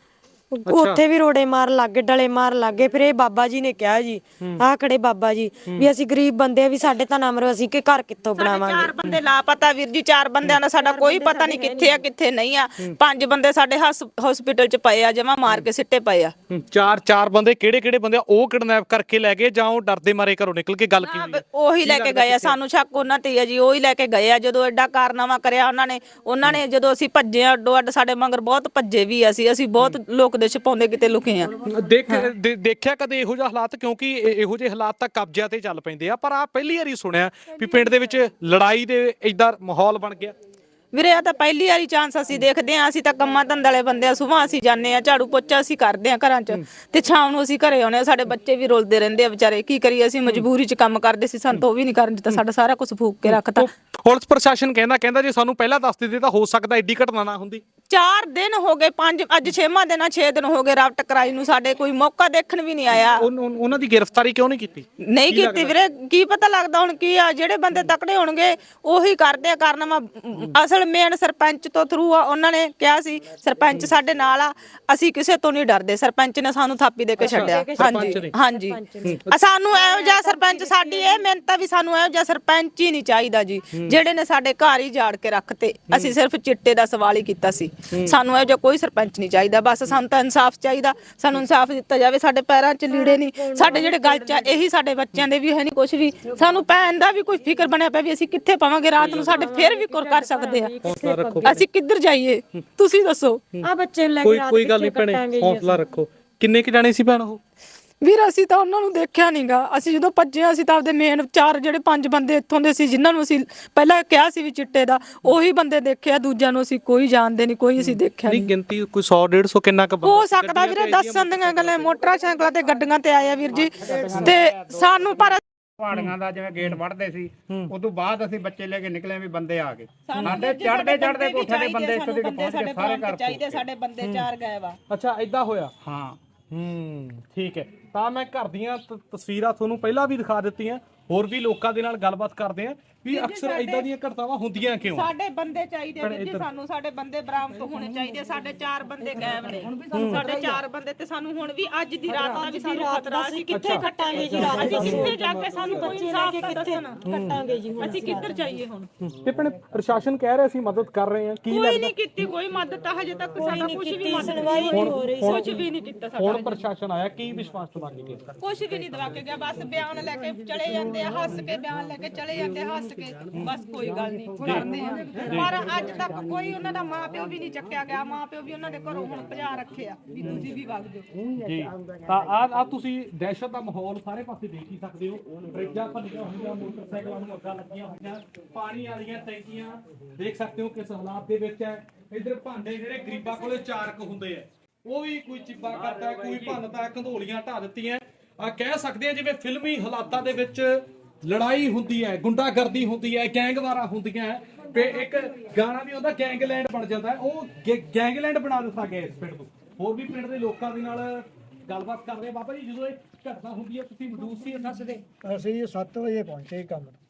E: ਉੱਥੇ ਵੀ ਰੋੜੇ ਮਾਰ ਲੱਗੇ, ਡਲੇ ਮਾਰ ਲੱਗੇ। ਫਿਰ ਇਹ ਬਾਬਾ ਜੀ ਨੇ ਕਿਹਾ ਜੀ, ਆਹ ਖੜੇ ਬਾਬਾ ਜੀ, ਵੀ ਅਸੀਂ ਗਰੀਬ ਬੰਦੇ ਆ, ਵੀ ਸਾਡੇ ਤਾਂ ਨਾ ਮਰੋ, ਅਸੀਂ ਕਿ ਘਰ ਕਿੱਥੋਂ ਬਣਾਵਾਂਗੇ।
C: ਚਾਰ ਬੰਦੇ ਲਾਪਤਾ ਵੀਰ ਜੀ, ਚਾਰ ਬੰਦਿਆਂ ਦਾ ਸਾਡਾ ਕੋਈ ਪਤਾ ਨਹੀਂ ਕਿੱਥੇ ਆ ਕਿੱਥੇ ਨਹੀਂ ਆ। ਪੰਜ ਬੰਦੇ ਸਾਡੇ ਹਸਪੀਟਲ 'ਚ ਪਏ ਆ, ਜਮਾ ਮਾਰ ਕੇ ਸਿੱਟੇ ਪਏ ਆ।
D: ਚਾਰ ਚਾਰ ਬੰਦੇ ਕਿਹੜੇ ਕਿਹੜੇ ਬੰਦੇ ਆ? ਉਹ ਕਿਡਨੈਪ ਕਰਕੇ ਲੈ ਗਏ ਜਾਂ ਉਹ ਡਰਦੇ ਮਾਰੇ ਘਰੋਂ ਨਿਕਲ ਕੇ? ਗੱਲ ਕੀ ਹੋਈ?
C: ਉਹੀ ਲੈ ਕੇ ਗਏ ਆ, ਸਾਨੂੰ ਸ਼ੱਕ ਉਹਨਾਂ ਤੇ ਆ ਜੀ, ਉਹੀ ਲੈ ਕੇ ਗਏ ਆ। ਜਦੋਂ ਐਡਾ ਕਾਰਨਾਮਾ ਕਰਿਆ ਉਹਨਾਂ ਨੇ ਉਹਨਾਂ ਨੇ ਜਦੋਂ ਅਸੀਂ ਭੱਜੇ ਆ ਅੱਡੋ ਅੱਡ, ਸਾਡੇ ਮਗਰ ਬਹੁਤ ਭੱਜੇ ਵੀ ਅਸੀਂ ਅਸੀਂ ਬਹੁਤ ਲੋਕ ਦੇ ਛਪਾਉਂਦੇ ਕਿਤੇ ਲੁਕੇ ਆ।
D: ਦੇਖ ਦੇਖਿਆ ਕਦੇ ਇਹੋ ਜਿਹਾ ਹਾਲਾਤ? ਕਿਉਂਕਿ ਇਹੋ ਜਿਹੇ ਹਾਲਾਤ ਤਾਂ ਕਬਜ਼ਿਆਂ ਤੇ ਚੱਲ ਪੈਂਦੇ ਆ, ਪਰ ਆ ਪਹਿਲੀ ਵਾਰੀ ਸੁਣਿਆ ਵੀ ਪਿੰਡ ਦੇ ਵਿੱਚ ਲੜਾਈ ਦੇ ਏਦਾਂ ਮਾਹੌਲ ਬਣ ਗਿਆ।
C: ਵੀਰੇ ਆ ਤਾਂ ਪਹਿਲੀ ਵਾਰੀ ਚਾਂਸ ਅਸੀਂ ਦੇਖਦੇ ਆ। ਅਸੀਂ ਤਾਂ ਕੰਮਾਂ ਧੰਦੇ ਵਾਲੇ ਬੰਦੇ ਆ, ਸੁਬਾਹ ਅਸੀਂ ਜਾਂਦੇ ਆ, ਝਾੜੂ ਪੋਚਾ ਅਸੀਂ ਕਰਦੇ ਆ ਘਰਾਂ 'ਚ, ਤੇ ਸ਼ਾਮ ਨੂੰ ਅਸੀਂ ਘਰੇ ਆਉਂਦੇ ਆ। ਸਾਡੇ ਬੱਚੇ ਵੀ ਰੁਲਦੇ ਰਹਿੰਦੇ ਆ ਵਿਚਾਰੇ, ਕੀ ਕਰੀਏ? ਅਸੀਂ ਮਜਬੂਰੀ 'ਚ ਕੰਮ ਕਰਦੇ ਸੀ, ਸਾਨੂੰ ਤਾਂ ਉਹ ਵੀ ਨਹੀਂ ਕਰਨ ਦਿੱਤਾ, ਸਾਡਾ ਸਾਰਾ ਕੁਝ ਫੂਕ ਕੇ ਰੱਖਤਾ।
D: ਪੁਲਿਸ ਪ੍ਰਸ਼ਾਸਨ ਕਹਿੰਦਾ ਕਹਿੰਦਾ ਜੇ ਸਾਨੂੰ ਪਹਿਲਾਂ ਦੱਸ ਦਿੰਦੇ ਤਾਂ ਹੋ ਸਕਦਾ ਐਡੀ ਘਟਨਾ ਨਾ ਹੁੰਦੀ।
C: ਚਾਰ ਦਿਨ ਹੋ ਗਏ, ਪੰਜ ਅੱਜ ਛੇਵਾਂ ਦਿਨ ਆ, ਛੇ ਦਿਨ ਹੋ ਗਏ ਰਾਤ ਟਕਰਾਈ ਨੂੰ, ਸਾਡੇ ਕੋਈ ਮੌਕਾ ਦੇਖਣ ਵੀ ਨਹੀਂ ਆਇਆ।
D: ਉਹਨਾਂ ਦੀ ਗ੍ਰਿਫਤਾਰੀ ਕਿਉਂ ਨਹੀਂ ਕੀਤੀ?
C: ਨਹੀਂ ਕੀਤੀ ਵੀਰੇ, ਕੀ ਪਤਾ ਲੱਗਦਾ ਹੁਣ ਕੀ ਆ। ਜਿਹੜੇ ਬੰਦੇ ਤਕੜੇ ਹੋਣਗੇ ਉਹੀ ਕਰਦੇ ਆ ਕਾਰਨਾਮਾ। ਅਸਲ ਮੇਨ ਸਰਪੰਚ ਤੋਂ ਥਰੂ ਆ, ਉਹਨਾਂ ਨੇ ਕਿਹਾ ਸੀ ਸਰਪੰਚ ਸਾਡੇ ਨਾਲ ਆ, ਅਸੀਂ ਕਿਸੇ ਤੋਂ ਨਹੀਂ ਡਰਦੇ। ਸਰਪੰਚ ਨੇ ਸਾਨੂੰ ਥਾਪੀ ਦੇ ਕੇ ਛੱਡਿਆ। ਹਾਂਜੀ ਹਾਂਜੀ, ਸਾਨੂੰ ਇਹੋ ਜਿਹਾ ਸਰਪੰਚ, ਸਾਡੀ ਇਹ ਮਿਹਨਤ ਆ ਵੀ ਸਾਨੂੰ ਇਹੋ ਜਿਹਾ ਸਰਪੰਚ ਹੀ ਨਹੀਂ ਚਾਹੀਦਾ ਜੀ, ਜਿਹੜੇ ਨੇ ਸਾਡੇ ਘਰ ਹੀ ਜਾੜ ਕੇ ਰੱਖਤੇ। ਅਸੀਂ ਸਿਰਫ ਚਿੱਟੇ ਦਾ ਸਵਾਲ ਹੀ ਕੀਤਾ ਸੀ, ਸਾਨੂੰ ਇਹੋ ਜਿਹਾ ਕੋਈ ਸਰਪੰਚ ਨਹੀਂ ਚਾਹੀਦਾ। ਬਸ ਸਾਨੂੰ ਤਾਂ ਇਨਸਾਫ ਚਾਹੀਦਾ, ਸਾਨੂੰ ਇਨਸਾਫ ਦਿੱਤਾ ਜਾਵੇ। ਸਾਡੇ ਪੈਰਾਂ 'ਚ ਲੀੜੇ ਨਹੀਂ, ਸਾਡੇ ਜਿਹੜੇ ਗਲ 'ਚ ਇਹੀ, ਸਾਡੇ ਬੱਚਿਆਂ ਦੇ ਵੀ ਹੈ ਨਹੀਂ ਕੁਝ ਵੀ। ਸਾਨੂੰ ਪੈਣ ਦਾ ਵੀ ਕੋਈ ਫਿਕਰ ਬਣਿਆ ਪਿਆ ਵੀ ਅਸੀਂ ਕਿੱਥੇ ਪਾਵਾਂਗੇ ਰਾਤ ਨੂੰ, ਸਾਡੇ ਫਿਰ ਵੀ ਕੁਰ ਕਰ ਸਕਦੇ ਆ, ਅਸੀਂ ਕਿੱਧਰ ਜਾਈਏ ਤੁਸੀਂ ਦੱਸੋ।
E: ਆ ਬੱਚੇ ਲੈ ਕੇ ਰਾਤ
D: ਕੋਈ ਗੱਲ ਨਹੀਂ ਭੈਣੇ, ਹੌਸਲਾ ਰੱਖੋ। ਕਿੰਨੇ ਕਿ ਜਾਣੇ ਸੀ ਭੈਣ ਉਹ?
C: ਵੀਰ ਅਸੀਂ ਤਾਂ ਉਹਨਾਂ ਨੂੰ ਦੇਖਿਆ ਨਹੀਂਗਾ। ਅਸੀਂ ਜਦੋਂ ਭੱਜੇ ਅਸੀਂ ਤਾਂ ਆਪਦੇ ਮੇਨ ਚਾਰ ਜਿਹੜੇ ਪੰਜ ਬੰਦੇ ਇੱਥੋਂ ਦੇ ਸੀ, ਜਿਨ੍ਹਾਂ ਨੂੰ ਅਸੀਂ ਪਹਿਲਾਂ ਕਿਹਾ ਸੀ ਵੀ ਚਿੱਟੇ ਦਾ, ਉਹੀ ਬੰਦੇ ਦੇਖਿਆ। ਦੂਜਿਆਂ ਨੂੰ ਅਸੀਂ ਕੋਈ ਜਾਣਦੇ ਨਹੀਂ, ਕੋਈ ਅਸੀਂ ਦੇਖਿਆ ਨਹੀਂ।
D: ਗਿਣਤੀ ਕੋਈ ਸੌ ਡੇਢ ਸੌ ਕਿੰਨਾ ਕੁ
C: ਹੋ ਸਕਦਾ ਵੀਰੇ, ਦੱਸਣ ਦੀਆਂ ਗੱਲਾਂ। ਮੋਟਰਸਾਈਕਲਾਂ ਤੇ ਗੱਡੀਆਂ ਤੇ ਆਏ ਆ ਵੀਰ ਜੀ, ਤੇ ਸਾਨੂੰ ਪਰ
F: ਪਹਾੜੀਆਂ ਦਾ ਜਿਵੇਂ ਗੇਟ ਵੜਦੇ ਸੀ, ਉਦੋਂ ਬਾਅਦ ਅਸੀਂ ਬੱਚੇ ਲੈ ਕੇ ਨਿਕਲੇ ਵੀ ਬੰਦੇ ਆ ਗਏ। ਸਾਡੇ ਚੜਦੇ ਚੜਦੇ ਕੋਠੇ ਦੇ ਬੰਦੇ ਇੱਥੇ ਤੱਕ ਪਹੁੰਚ ਗਏ, ਸਾਰੇ ਘਰ
C: ਚਾਹੀਦੇ, ਸਾਡੇ ਬੰਦੇ ਚਾਰ ਗਏ ਵਾ।
D: ਅੱਛਾ ਏਦਾਂ ਹੋਇਆ?
F: ਹਾਂ
D: ਹੂੰ ਠੀਕ ਹੈ। ਤਾਂ ਮੈਂ ਘਰ ਦੀਆਂ ਤਸਵੀਰਾਂ ਤੁਹਾਨੂੰ ਪਹਿਲਾਂ ਵੀ ਦਿਖਾ ਦਿੱਤੀਆਂ, ਹੋਰ ਵੀ ਲੋਕਾਂ ਦੇ ਨਾਲ ਗੱਲਬਾਤ ਕਰਦੇ ਆ ਵੀ ਅਕਸਰ ਇਦਾਂ ਦੀਆਂ ਘਟਨਾਵਾਂ ਹੁੰਦੀਆਂ ਕਿਉਂ।
C: ਸਾਡੇ ਬੰਦੇ ਚਾਹੀਦੇ ਵੀਰ ਜੀ, ਸਾਨੂੰ ਸਾਡੇ ਬੰਦੇ ਬਰਾਮਦ ਹੋਣੇ ਚਾਹੀਦੇ। ਸਾਡੇ ਚਾਰ ਬੰਦੇ ਗਾਇਬ ਨੇ, ਸਾਡੇ ਚਾਰ ਬੰਦੇ, ਤੇ ਸਾਨੂੰ ਹੁਣ ਵੀ ਅੱਜ ਦੀ ਰਾਤ ਦਾ ਵੀ ਸਾਨੂੰ ਖਤਰਾ। ਅਸੀਂ ਕਿੱਥੇ ਕੱਟਾਂਗੇ ਜੀ ਰਾਤ? ਅਸੀਂ ਕਿੱਥੇ ਜਾ ਕੇ ਸਾਨੂੰ ਕੋਈ ਇਨਸਾਫ ਦੱਸਣ ਕੱਟਾਂਗੇ ਜੀ? ਅਸੀਂ ਕਿੱਧਰ ਜਾਈਏ ਹੁਣ?
D: ਤੇ ਭੈਣੇ ਪ੍ਰਸ਼ਾਸਨ ਕਹਿ ਰਿਹਾ ਸੀ ਮਦਦ ਕਰ ਰਹੇ ਆ, ਕੀ
C: ਕੋਈ ਨਹੀਂ ਕੀਤੀ ਕੋਈ ਮਦਦ ਤਾਂ ਹਜੇ ਤੱਕ ਸਾਡਾ ਕੁਝ ਵੀ ਮਦਦ ਨਹੀਂ ਹੋ ਰਹੀ, ਕੁਝ ਵੀ ਨਹੀਂ ਕੀਤਾ ਸਾਡਾ।
D: ਹੁਣ ਪ੍ਰਸ਼ਾਸਨ ਆਇਆ, ਕੀ ਵਿਸ਼ਵਾਸ ਦਵਾ ਕੇ ਗਿਆ?
C: ਕੁਝ ਵੀ ਨਹੀਂ ਦਵਾ ਕੇ ਗਿਆ, ਬਸ ਬਿਆਨ ਲੈ ਕੇ ਚਲੇ ਜਾਂਦੇ ਆ, ਹੱਸ ਕੇ ਬਿਆਨ ਲੈ ਕੇ ਚਲੇ ਜਾਂਦੇ ਆ, ਹੱਸ ਕੇ ਬਸ ਕੋਈ ਗੱਲ ਨਹੀਂ ਕਰਦੇ ਆ। ਪਰ ਅੱਜ ਤੱਕ ਕੋਈ ਉਹਨਾਂ ਦਾ ਮਾਂ ਪਿਓ ਵੀ ਨਹੀਂ ਚੱਕਿਆ ਗਿਆ, ਮਾਂ ਪਿਓ ਵੀ ਉਹਨਾਂ ਦੇ ਘਰੋਂ ਹੁਣ ਭਜਾ ਰੱਖੇ ਆ ਵੀ ਤੁਸੀਂ ਵੀ ਵਗ ਜਾਓ
D: ਜੀ। ਤਾਂ ਆ ਆ ਤੁਸੀਂ ਦਹਿਸ਼ਤ ਦਾ ਮਾਹੌਲ ਸਾਰੇ ਪਾਸੇ ਦੇਖ ਹੀ ਸਕਦੇ ਹੋ। ਫਰਿੱਜਾਂ ਭੰਨੀਆਂ ਹੋਈਆਂ, ਮੋਟਰਸਾਈਕਲਾਂ ਨੂੰ ਅੱਗਾਂ ਲੱਗੀਆਂ ਹੋਈਆਂ, ਪਾਣੀ ਵਾਲੀਆਂ ਟੈਂਕੀਆਂ ਦੇਖ ਸਕਦੇ ਹੋ ਕਿਸ ਹਾਲਾਤ ਦੇ ਵਿੱਚ ਹੈ। ਇਧਰ ਭਾਂਡੇ ਜਿਹੜੇ ਗਰੀਬਾਂ ਕੋਲੇ ਚਾਰਕ ਹੁੰਦੇ ਆ, ਉਹ ਵੀ ਕੋਈ ਚਿੱਬਾ ਕਰਦਾ, ਕੋਈ ਭੰਨਦਾ, ਕੰਧੋਲੀਆਂ ਢਾ ਦਿੱਤੀਆਂ। ਆ ਕਹਿ ਸਕਦੇ ਆ ਜਿਵੇਂ ਫਿਲਮੀ ਹਾਲਾਤਾਂ ਦੇ ਵਿੱਚ ਲੜਾਈ ਹੁੰਦੀ ਹੈ, ਗੁੰਡਾਗਰਦੀ ਹੁੰਦੀ ਹੈ, ਗੈਂਗਵਾਰਾਂ ਹੁੰਦੀਆਂ। ਤੇ ਇੱਕ ਗਾਣਾ ਵੀ ਹੁੰਦਾ ਗੈਂਗਲੈਂਡ ਬਣ ਜਾਂਦਾ, ਉਹ ਗੈਂਗਲੈਂਡ ਬਣਾ ਦਿੱਤਾ ਗਿਆ ਇਸ ਪਿੰਡ ਨੂੰ। ਹੋਰ ਵੀ ਪਿੰਡ ਦੇ ਲੋਕਾਂ ਦੇ ਨਾਲ ਗੱਲਬਾਤ ਕਰਦੇ। ਬਾਬਾ ਜੀ ਜਦੋਂ ਇਹ ਘਟਨਾ ਹੁੰਦੀ ਹੈ ਤੁਸੀਂ ਮੌਜੂਦ ਸੀ? ਦੱਸਦੇ
G: ਅਸੀਂ ਸੱਤ ਵਜੇ ਪਹੁੰਚੇ ਕੰਮ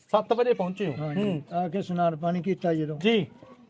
D: ਸੱਤ ਵਜੇ ਪਹੁੰਚੇ ਹੋ
A: ਹਾਂਜੀ ਆ ਕੇ ਇਸ਼ਨਾਨ ਪਾਣੀ ਕੀਤਾ ਜਦੋਂ
D: ਜੀ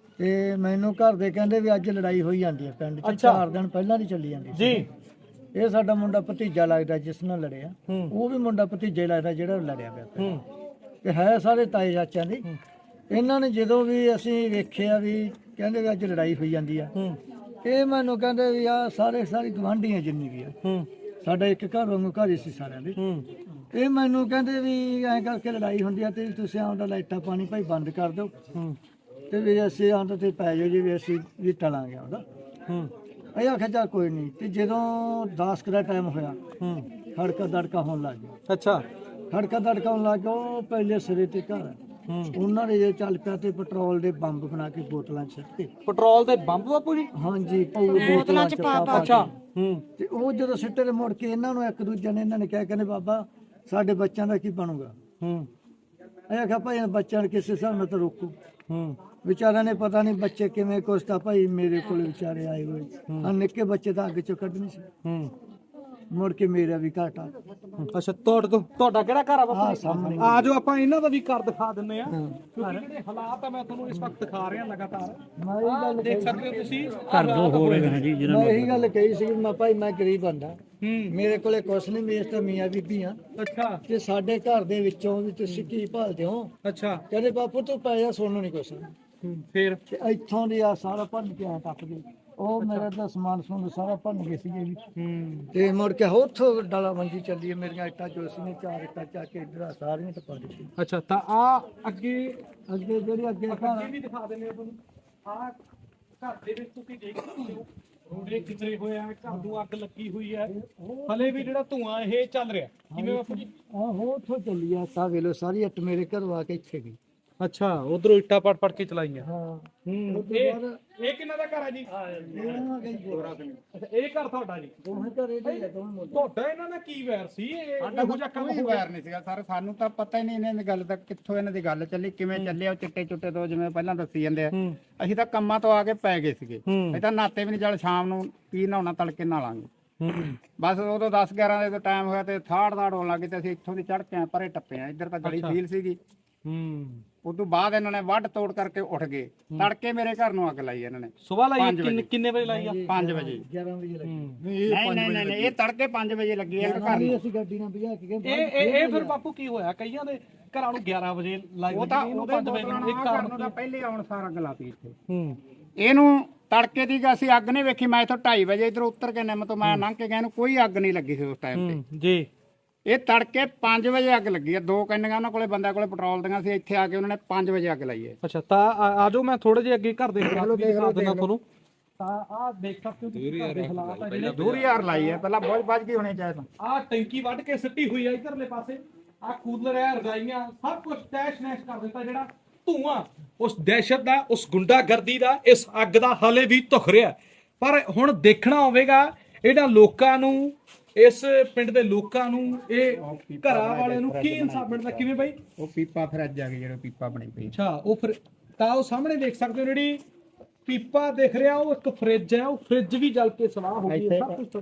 A: ਤੇ ਮੈਨੂੰ ਘਰ ਦੇ ਕਹਿੰਦੇ ਵੀ ਅੱਜ ਲੜਾਈ ਹੋਈ ਜਾਂਦੀ ਹੈ ਪਿੰਡ 'ਚ। ਚਾਰ ਦਿਨ ਪਹਿਲਾਂ ਦੀ ਚੱਲੀ ਜਾਂਦੀ ਸੀ।
D: ਜੀ
A: ਇਹ ਸਾਡਾ ਮੁੰਡਾ ਭਤੀਜਾ ਲੱਗਦਾ ਜਿਸ ਨਾਲ ਲੜਿਆ,
D: ਹੂੰ।
A: ਉਹ ਵੀ ਮੁੰਡਾ ਭਤੀਜਾ ਹੀ ਲੱਗਦਾ ਜਿਹੜਾ ਲੜਿਆ ਪਿਆ ਪਿਆ।
D: ਹੂੰ
A: ਤੇ ਹੈ ਸਾਰੇ ਤਾਏ ਚਾਚਿਆਂ ਦੀ। ਇਹਨਾਂ ਨੇ ਜਦੋਂ ਵੀ ਅਸੀਂ ਵੇਖਿਆ ਵੀ ਕਹਿੰਦੇ ਵੀ ਅੱਜ ਲੜਾਈ ਹੋਈ ਜਾਂਦੀ ਆ,
D: ਹੂੰ
A: ਇਹ ਮੈਨੂੰ ਕਹਿੰਦੇ ਵੀ ਆ ਸਾਰੇ ਸਾਰੀ ਗਵਾਂਢੀਆਂ ਜਿੰਨੀ ਵੀ ਆ,
D: ਹੂੰ
A: ਸਾਡਾ ਇੱਕ ਘਰ ਵਾਂਗੂ ਘਰ ਹੀ ਸੀ ਸਾਰਿਆਂ ਦੇ।
D: ਹੂੰ
A: ਇਹ ਮੈਨੂੰ ਕਹਿੰਦੇ ਵੀ ਐਂ ਕਰਕੇ ਲੜਾਈ ਹੁੰਦੀ ਆ ਤੇ ਤੁਸੀਂ ਆਉਂਦਾ ਲਾਈਟਾਂ ਪਾਣੀ ਭਾਈ ਬੰਦ ਕਰ ਦਿਓ
D: ਹੂੰ
A: ਤੇ ਵੀ ਅਸੀਂ ਆਉਂਦਾ ਤੇ ਪੈ ਜਾਓ ਜੀ ਵੀ ਅਸੀਂ ਵੀ ਟਲਾਂਗੇ ਉਹਦਾ।
D: ਹੂੰ
A: ਅਸੀਂ ਆਖਿਆ ਚੱਲ ਕੋਈ ਨਹੀਂ। ਤੇ ਜਦੋਂ ਦਸ ਕੁ ਦਾ ਟਾਈਮ ਹੋਇਆ,
D: ਹੂੰ
A: ਖੜਕਾ ਦੜਕਾ ਹੋਣ ਲੱਗ ਗਿਆ।
D: ਅੱਛਾ
A: ਖੜਕਾ ਦੜਕਾ ਹੋਣ ਲੱਗ ਗਿਆ, ਉਹ ਪਹਿਲੇ ਸਿਰੇ ਤੇ ਘਰ ਆ।
D: ਹੂੰ
A: ਉਹਨਾਂ ਨੇ ਜੇ ਚੱਲ ਪਿਆ ਤੇ ਪੈਟਰੋਲ ਦੇ ਬੰਬ ਬਣਾ ਕੇ ਬੋਤਲਾਂ 'ਚ ਸਿੱਟੇ।
D: ਪੈਟਰੋਲ ਦੇ ਬੰਬ ਬਾਪੂ ਜੀ
A: ਹਾਂਜੀ ਪਊ ਬੋਤਲਾਂ 'ਚ ਪਾ ਪਾ
D: ਅੱਛਾ
A: ਕੇ।
D: ਹੂੰ
A: ਤੇ ਉਹ ਜਦੋਂ ਸਿੱਟੇ ਤੇ ਮੁੜ ਕੇ ਇਹਨਾਂ ਨੂੰ ਇੱਕ ਦੂਜੇ ਨੇ ਇਹਨਾਂ ਨੇ ਕਿਹਾ ਕਹਿੰਦੇ ਬਾਬਾ ਸਾਡੇ ਬੱਚਿਆਂ ਦਾ ਕੀ ਬਣੂਗਾ।
D: ਹੂੰ
A: ਅਸੀਂ ਆਖਿਆ ਭਾਈ ਇਹਨਾਂ ਬੱਚਿਆਂ ਨੂੰ ਕਿਸੇ ਹਿਸਾਬ ਨਾਲ ਤਾਂ ਰੋਕੋ।
D: ਹੂੰ
A: ਵਿਚਾਰਿਆਂ ਨੇ ਪਤਾ ਨਹੀਂ ਬੱਚੇ ਕਿਵੇਂ ਕੁਛ ਤਾਂ ਭਾਈ ਮੇਰੇ ਕੋਲ ਵਿਚਾਰੇ ਆਏ ਹੋਏ ਆ ਨਿੱਕੇ ਬੱਚੇ ਤਾਂ ਅੱਗ ਚੋਂ ਕੱਢਣੇ ਸੀ।
D: ਹੂੰ
A: ਮੁੜ ਕੇ ਮੇਰਾ ਵੀ ਘਾਟਾ।
D: ਅੱਛਾ ਤੁਹਾਡਾ ਤੁਹਾਡਾ ਕਿਹੜਾ ਘਰ ਆ
A: ਆਹ
D: ਬਾਪੂ
A: ਸਾਹਮਣੇ
D: ਆ ਜਾਓ ਆਪਾਂ ਇਹਨਾਂ ਦਾ ਵੀ ਘਰ ਦਿਖਾ ਦਿੰਨੇ ਆ ਕਿਉਂਕਿ ਜਿਹੜੇ ਹਾਲਾਤ ਆ ਮੈਂ ਤੁਹਾਨੂੰ ਇਸ ਵਕਤ ਦਿਖਾ ਰਿਹਾ ਲਗਾਤਾਰ।
A: ਮੈਂ ਇਹ ਗੱਲ
D: ਦੇਖ ਸਕਦੇ ਹੋ ਤੁਸੀਂ ਘਰ ਦੋ ਹੋ ਰਹੇ ਨੇ ਜੀ
A: ਮੈਂ ਇਹੀ ਗੱਲ ਕਹੀ ਸੀ ਮੈਂ ਭਾਈ ਮੈਂ ਗਰੀਬ ਬੰਦਾ,
D: ਹੂੰ
A: ਮੇਰੇ ਕੋਲੇ ਕੁਛ ਨਹੀਂ, ਮੇਰੇ ਤਾਂ ਮੀਆਂ ਬੀਬੀ ਆ
D: ਅੱਛਾ
A: ਤੇ ਸਾਡੇ ਘਰ ਦੇ ਵਿੱਚੋਂ ਵੀ ਤੁਸੀਂ ਕੀ ਭਾਲਦੇ ਹੋ।
D: ਅੱਛਾ
A: ਕਹਿੰਦੇ ਬਾਪੂ ਤੂੰ ਪੈ ਜਾ ਸੋਨੂੰ ਨਹੀਂ ਕੁਛ।
D: ਹੂੰ ਫੇਰ
A: ਤੇ ਇੱਥੋਂ ਦੀ ਆ ਸਾਰਾ ਭੰਨ ਕੇ ਆ ਟੱਪ ਗਏ। ਉਹ ਮੇਰਾ ਤਾਂ ਸਮਾਨ ਸਮੂਨ ਸਾਰਾ ਭੰਨ ਗਏ ਸੀਗੇ ਵੀ।
D: ਹੂੰ
A: ਤੇ ਮੁੜ ਕੇ ਉੱਥੋਂ ਡਾਲਾ ਮੰਜੀ ਚੱਲੀ ਹੈ। ਮੇਰੀਆਂ ਇੱਟਾਂ ਜੋ ਸੀ ਨੇ ਚਾਰ ਇੱਟਾਂ ਚੱਕ ਕੇ ਇੱਧਰ ਆ ਸਾਰੀਆਂ ਟਪਾ ਦਿੱਤੀ।
D: ਅੱਛਾ ਤਾਂ ਆ ਅੱਗੇ
A: ਅੱਗੇ ਜਿਹੜੀ ਅੱਗੇ
D: ਅੱਗੇ
A: ਘਰ
D: ਵੀ ਦਿਖਾ ਦਿੰਨੇ ਆ ਤੁਹਾਨੂੰ ਆ ਘਰ ਦੇ ਵਿੱਚ ਤੁਸੀਂ ਦੇਖ ਸਕਦੇ ਹੋ ਰੋੜੇ ਖਿਚਰੇ ਹੋਏ ਆ, ਘਰ ਨੂੰ ਅੱਗ ਲੱਗੀ ਹੋਈ ਹੈ, ਹਲੇ ਵੀ ਜਿਹੜਾ ਧੂਆਂ ਇਹ ਚੱਲ ਰਿਹਾ। ਕਿਵੇਂ ਬਾਪੂ ਜੀ?
A: ਆਹੋ ਉੱਥੋਂ ਚੱਲੀ ਆ ਸਾ ਵੇਲੋ ਸਾਰੀ ਇੱਟ ਮੇਰੇ ਘਰੋਂ ਆ ਕੇ ਇੱਥੇ ਗਈ।
D: ਅੱਛਾ ਉਧਰੋਂ ਇੱਟਾਂ ਪੜ ਪੜ ਕੇ ਚਲਾਈਆਂ।
A: ਹਾਂ
D: ਹੂੰ
A: ਉਹ ਤੋਂ
D: ਇਹ
A: ਬਾਅਦ
D: ਇਹ ਕਿੰਨਾ ਦਾ ਘਰ ਹੈ ਜੀ?
A: ਇਹਨਾਂ ਗਈ ਗੋਰਾ ਸਿੰਘ।
D: ਅੱਛਾ ਇਹ ਘਰ ਤੁਹਾਡਾ ਜੀ?
A: ਦੋਵੇਂ ਘਰੇ ਦੇ ਆ ਦੋਵੇਂ ਮੁੰਡੇ।
D: ਤੁਹਾਡਾ ਇਹਨਾਂ ਦਾ ਕੀ ਵੈਰ ਸੀ? ਇਹ ਇਹੋ ਜਿਹਾ ਕੰਮ
F: ਕੋਈ
D: ਹੋਇਆ?
F: ਵੈਰ ਨਹੀਂ ਸੀਗਾ ਸਰ, ਸਾਨੂੰ ਤਾਂ ਪਤਾ ਹੀ ਨਹੀਂ ਇਹਨਾਂ ਦੀ ਗੱਲ ਦਾ ਕਿੱਥੋਂ ਇਹਨਾਂ ਦੀ ਗੱਲ ਚੱਲੀ ਕਿਵੇਂ ਚੱਲਿਆ। ਉਹ ਚਿੱਟੇ ਚੁੱਟੇ ਤੋਂ ਜਿਵੇਂ ਪਹਿਲਾਂ ਦੱਸੀ ਜਾਂਦੇ ਆ,
D: ਹੂੰ
F: ਅਸੀਂ ਤਾਂ ਕੰਮਾਂ ਤੋਂ ਆ ਕੇ ਪੈ ਗਏ ਸੀਗੇ।
D: ਹੂੰ
F: ਅਸੀਂ ਤਾਂ ਨਾਤੇ ਵੀ ਨਹੀਂ, ਚੱਲ ਸ਼ਾਮ ਨੂੰ ਕੀ ਨਹਾਉਣਾ ਤੜਕੇ ਨਹਾਲਾਂਗੇ।
D: ਹੂੰ
F: ਬਸ ਉਦੋਂ ਦਸ ਗਿਆਰਾਂ ਦੇ ਟਾਈਮ ਹੋਇਆ ਤੇ ਥਾੜ ਥਾੜ ਹੋਣ ਲੱਗੀ ਤੇ ਅਸੀਂ ਇੱਥੋਂ ਦੀ ਚੜ ਕੇ ਆਏ, ਪਰੇ ਟੱਪੇ ਆ। ਇੱਧਰ ਤਾਂ ਗਲੀ ਫੀਲ ਸੀਗੀ।
D: ਹੂੰ
F: ਉਦੋਂ ਬਾਅਦ ਇਹਨਾਂ ਨੇ ਵੱਢ ਤੋੜ ਕਰਕੇ ਉੱਠ ਗਏ। ਤੜਕੇ ਮੇਰੇ ਘਰ ਨੂੰ ਅੱਗ ਲਾਈ ਇਹਨਾਂ ਨੇ
D: ਸਵੇਰ ਲਾਈ
F: ਪੰਜ
D: ਕਿੰਨੇ
F: ਵਜੇ।
D: ਕਿੰਨੇ ਵਜੇ ਲਾਈ ਆ?
F: ਪੰਜ ਵਜੇ।
A: ਗਿਆਰਾਂ ਵਜੇ ਲੱਗੀ।
F: ਨਹੀਂ ਨਹੀਂ ਨਹੀਂ ਨਹੀਂ, ਇਹ ਤੜਕੇ ਪੰਜ ਵਜੇ ਲੱਗੀ ਹੈ ਘਰ ਨੂੰ।
A: ਅਸੀਂ ਗੱਡੀ ਨਾਲ ਭਜਾ ਕੇ ਗਏ।
D: ਇਹ ਇਹ ਇਹ ਫਿਰ ਬਾਪੂ ਕੀ ਹੋਇਆ? ਕਈਆਂ ਦੇ ਘਰਾਂ ਨੂੰ ਗਿਆਰਾਂ ਵਜੇ ਲਾਈ
F: ਉਹ ਤਾਂ
D: ਇਹਨੂੰ
F: ਉਹਦੇ
D: ਪੰਜ ਵਜੇ
F: ਬੋਤਲਾਂ
D: ਨੂੰ।
F: ਨਾਲ
D: ਇੱਕ
F: ਘਰ
D: ਕਾਰਨ
F: ਨੂੰ ਤਾਂ ਪਹਿਲੇ ਆਉਣ ਸਾਰ ਅੱਗ ਲਾਤੀ ਇੱਥੇ।
D: ਹੂੰ
F: ਇਹਨੂੰ ਤੜਕੇ ਦੀ ਅਸੀਂ ਅੱਗ ਨਹੀਂ ਵੇਖੀ। ਮੈਂ ਇੱਥੋਂ ਢਾਈ ਵਜੇ ਇਧਰ ਉੱਤਰ ਕੇ ਨਿੰਮ ਤੋਂ ਮੈਂ ਲੰਘ ਕੇ ਗਿਆ, ਇਹਨੂੰ ਕੋਈ ਅੱਗ ਨਹੀਂ ਲੱਗੀ ਸੀ ਉਸ ਟਾਈਮ ਤੇ।
D: ਹੂੰ ਜੀ
F: ਇਹ ਤੜਕੇ ਪੰਜ ਵਜੇ ਅੱਗ ਲੱਗੀ ਆ। ਦੋ ਕੰਨੀਆਂ ਉਹਨਾਂ ਕੋਲੇ ਬੰਦਿਆਂ ਕੋਲੇ ਪੈਟਰੋਲ ਦੀਆਂ ਸੀ। ਇੱਥੇ ਆ ਕੇ ਉਹਨਾਂ ਨੇ ਪੰਜ ਵਜੇ ਅੱਗ ਲਾਈ ਹੈ।
D: ਅੱਛਾ ਤਾਂ ਆ ਆ ਜਾਓ ਮੈਂ ਥੋੜੇ ਜਿਹਾ ਅੱਗੇ ਘਰ ਦੇ ਹਾਲਾਤ ਵੀ ਦਿਖਾ ਦਿੰਦਾ ਤੁਹਾਨੂੰ। ਤਾਂ ਆਹ ਦੇਖ ਸਕਦੇ ਹੋ ਤੁਸੀਂ ਘਰ ਦੇ ਹਾਲਾਤ ਆ ਜਿਹੜੇ।
F: ਦੂਰੀ ਯਾਰ ਲਾਈ ਹੈ, ਪਹਿਲਾਂ ਬਹੁਤ ਵੱਜ ਗਈ ਹੋਣੀ ਚਾਹੀਦਾ।
D: ਆਹ ਟੈਂਕੀ ਵੱਢ ਕੇ ਸਿੱਟੀ ਹੋਈ ਆ ਇਧਰਲੇ ਪਾਸੇ। ਆਹ ਕੂਲਰ ਹੈ, ਰਜਾਈਆਂ, ਸਭ ਕੁਝ ਤੈਸ਼ ਨੈਸ਼ ਕਰ ਦਿੱਤਾ। ਜਿਹੜਾ ਧੂਆਂ ਉਸ ਦਹਿਸ਼ਤ ਦਾ, ਉਸ ਗੁੰਡਾਗਰਦੀ ਦਾ, ਇਸ ਅੱਗ ਦਾ ਹਾਲੇ ਵੀ ਧੁਖ ਰਿਹਾ। ਪਰ ਹੁਣ ਦੇਖਣਾ ਹੋਵੇਗਾ ਇਹਨਾਂ ਲੋਕਾਂ ਨੂੰ, ਇਸ ਪਿੰਡ ਦੇ ਲੋਕਾਂ ਨੂੰ, ਇਹ ਘਰਾਂ ਵਾਲਿਆਂ ਨੂੰ ਕੀ ਇਨਸਾਫ ਮਿਲਦਾ। ਕਿਵੇਂ ਬਾਈ?
F: ਉਹ ਪੀਪਾ ਫਿਰ ਅੱਜ ਆ ਗਈ ਜਿਹੜਾ ਪੀਪਾ ਬਣੀ ਪਈ।
D: ਅੱਛਾ ਉਹ ਫਿਰ ਤਾਂ ਉਹ ਸਾਹਮਣੇ ਦੇਖ ਸਕਦੇ ਹੋ ਜਿਹੜੀ ਪੀਪਾ ਦਿਖ ਰਿਹਾ, ਉਹ ਇੱਕ ਫ੍ਰਿਜ ਹੈ। ਉਹ ਫ੍ਰਿਜ ਵੀ ਜਲ ਕੇ ਸਵਾਹ ਹੋ ਗਈ ਹੈ। ਸਭ ਕੁਝ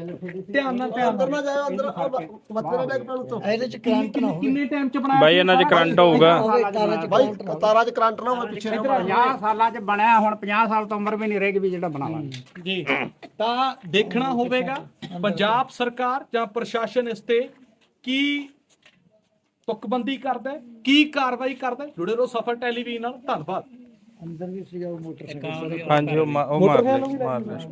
D: ਧਿਆਨ ਨਾਲ ਧਿਆਨ ਨਾਲ
A: ਜਾਓ ਅੰਦਰ ਬੱਚੇ ਡੈਕ ਪਣ ਤੋਂ ਇਹਦੇ ਚ ਕਰੰਟ ਨਾ ਹੋਵੇ।
D: ਕਿੰਨੇ ਟਾਈਮ ਚ ਬਣਾਇਆ?
G: ਬਾਈ ਇਹਨਾਂ 'ਚ ਕਰੰਟ ਹੋਊਗਾ।
A: ਬਾਈ ਤਾਰਾਂ ਚ ਕਰੰਟ ਨਾ ਹੋਵੇ ਪਿੱਛੇ।
F: ਪੰਜਾਹ ਸਾਲਾਂ ਚ ਬਣਿਆ, ਹੁਣ ਪੰਜਾਹ ਸਾਲ ਤੋਂ ਉਮਰ ਵੀ ਨਹੀਂ ਰਹੇਗੀ ਵੀ ਜਿਹੜਾ ਬਣਾ ਲਾਂਗੇ
D: ਜੀ ਤਾਂ ਦੇਖਣਾ ਹੋਵੇਗਾ ਪੰਜਾਬ ਸਰਕਾਰ ਜਾਂ ਪ੍ਰਸ਼ਾਸਨ ਇਸ ਤੇ ਕੀ ਤੁਕਬੰਦੀ ਕਰਦਾ ਹੈ, ਕੀ ਕਾਰਵਾਈ ਕਰਦਾ ਹੈ। ਜੁੜੇ ਰਹੋ ਸਫਰ ਟੈਲੀਵਿਜ਼ਨ ਨਾਲ। ਧੰਨਵਾਦ।
A: ਅੰਦਰ ਵੀ ਸੀਗਾ ਉਹ ਮੋਟਰਸਾਈਕਲ।
G: ਹਾਂਜੀ ਉਹ ਮਾ- ਉਹ ਮਾਰ ਲੈ ਮਾਰ ਲੈ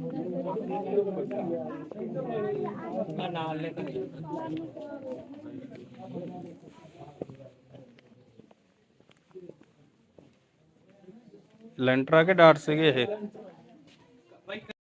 G: ਲੈਂਟਰ ਆ ਕੇ ਡਾਟ ਸੀਗੇ ਇਹ।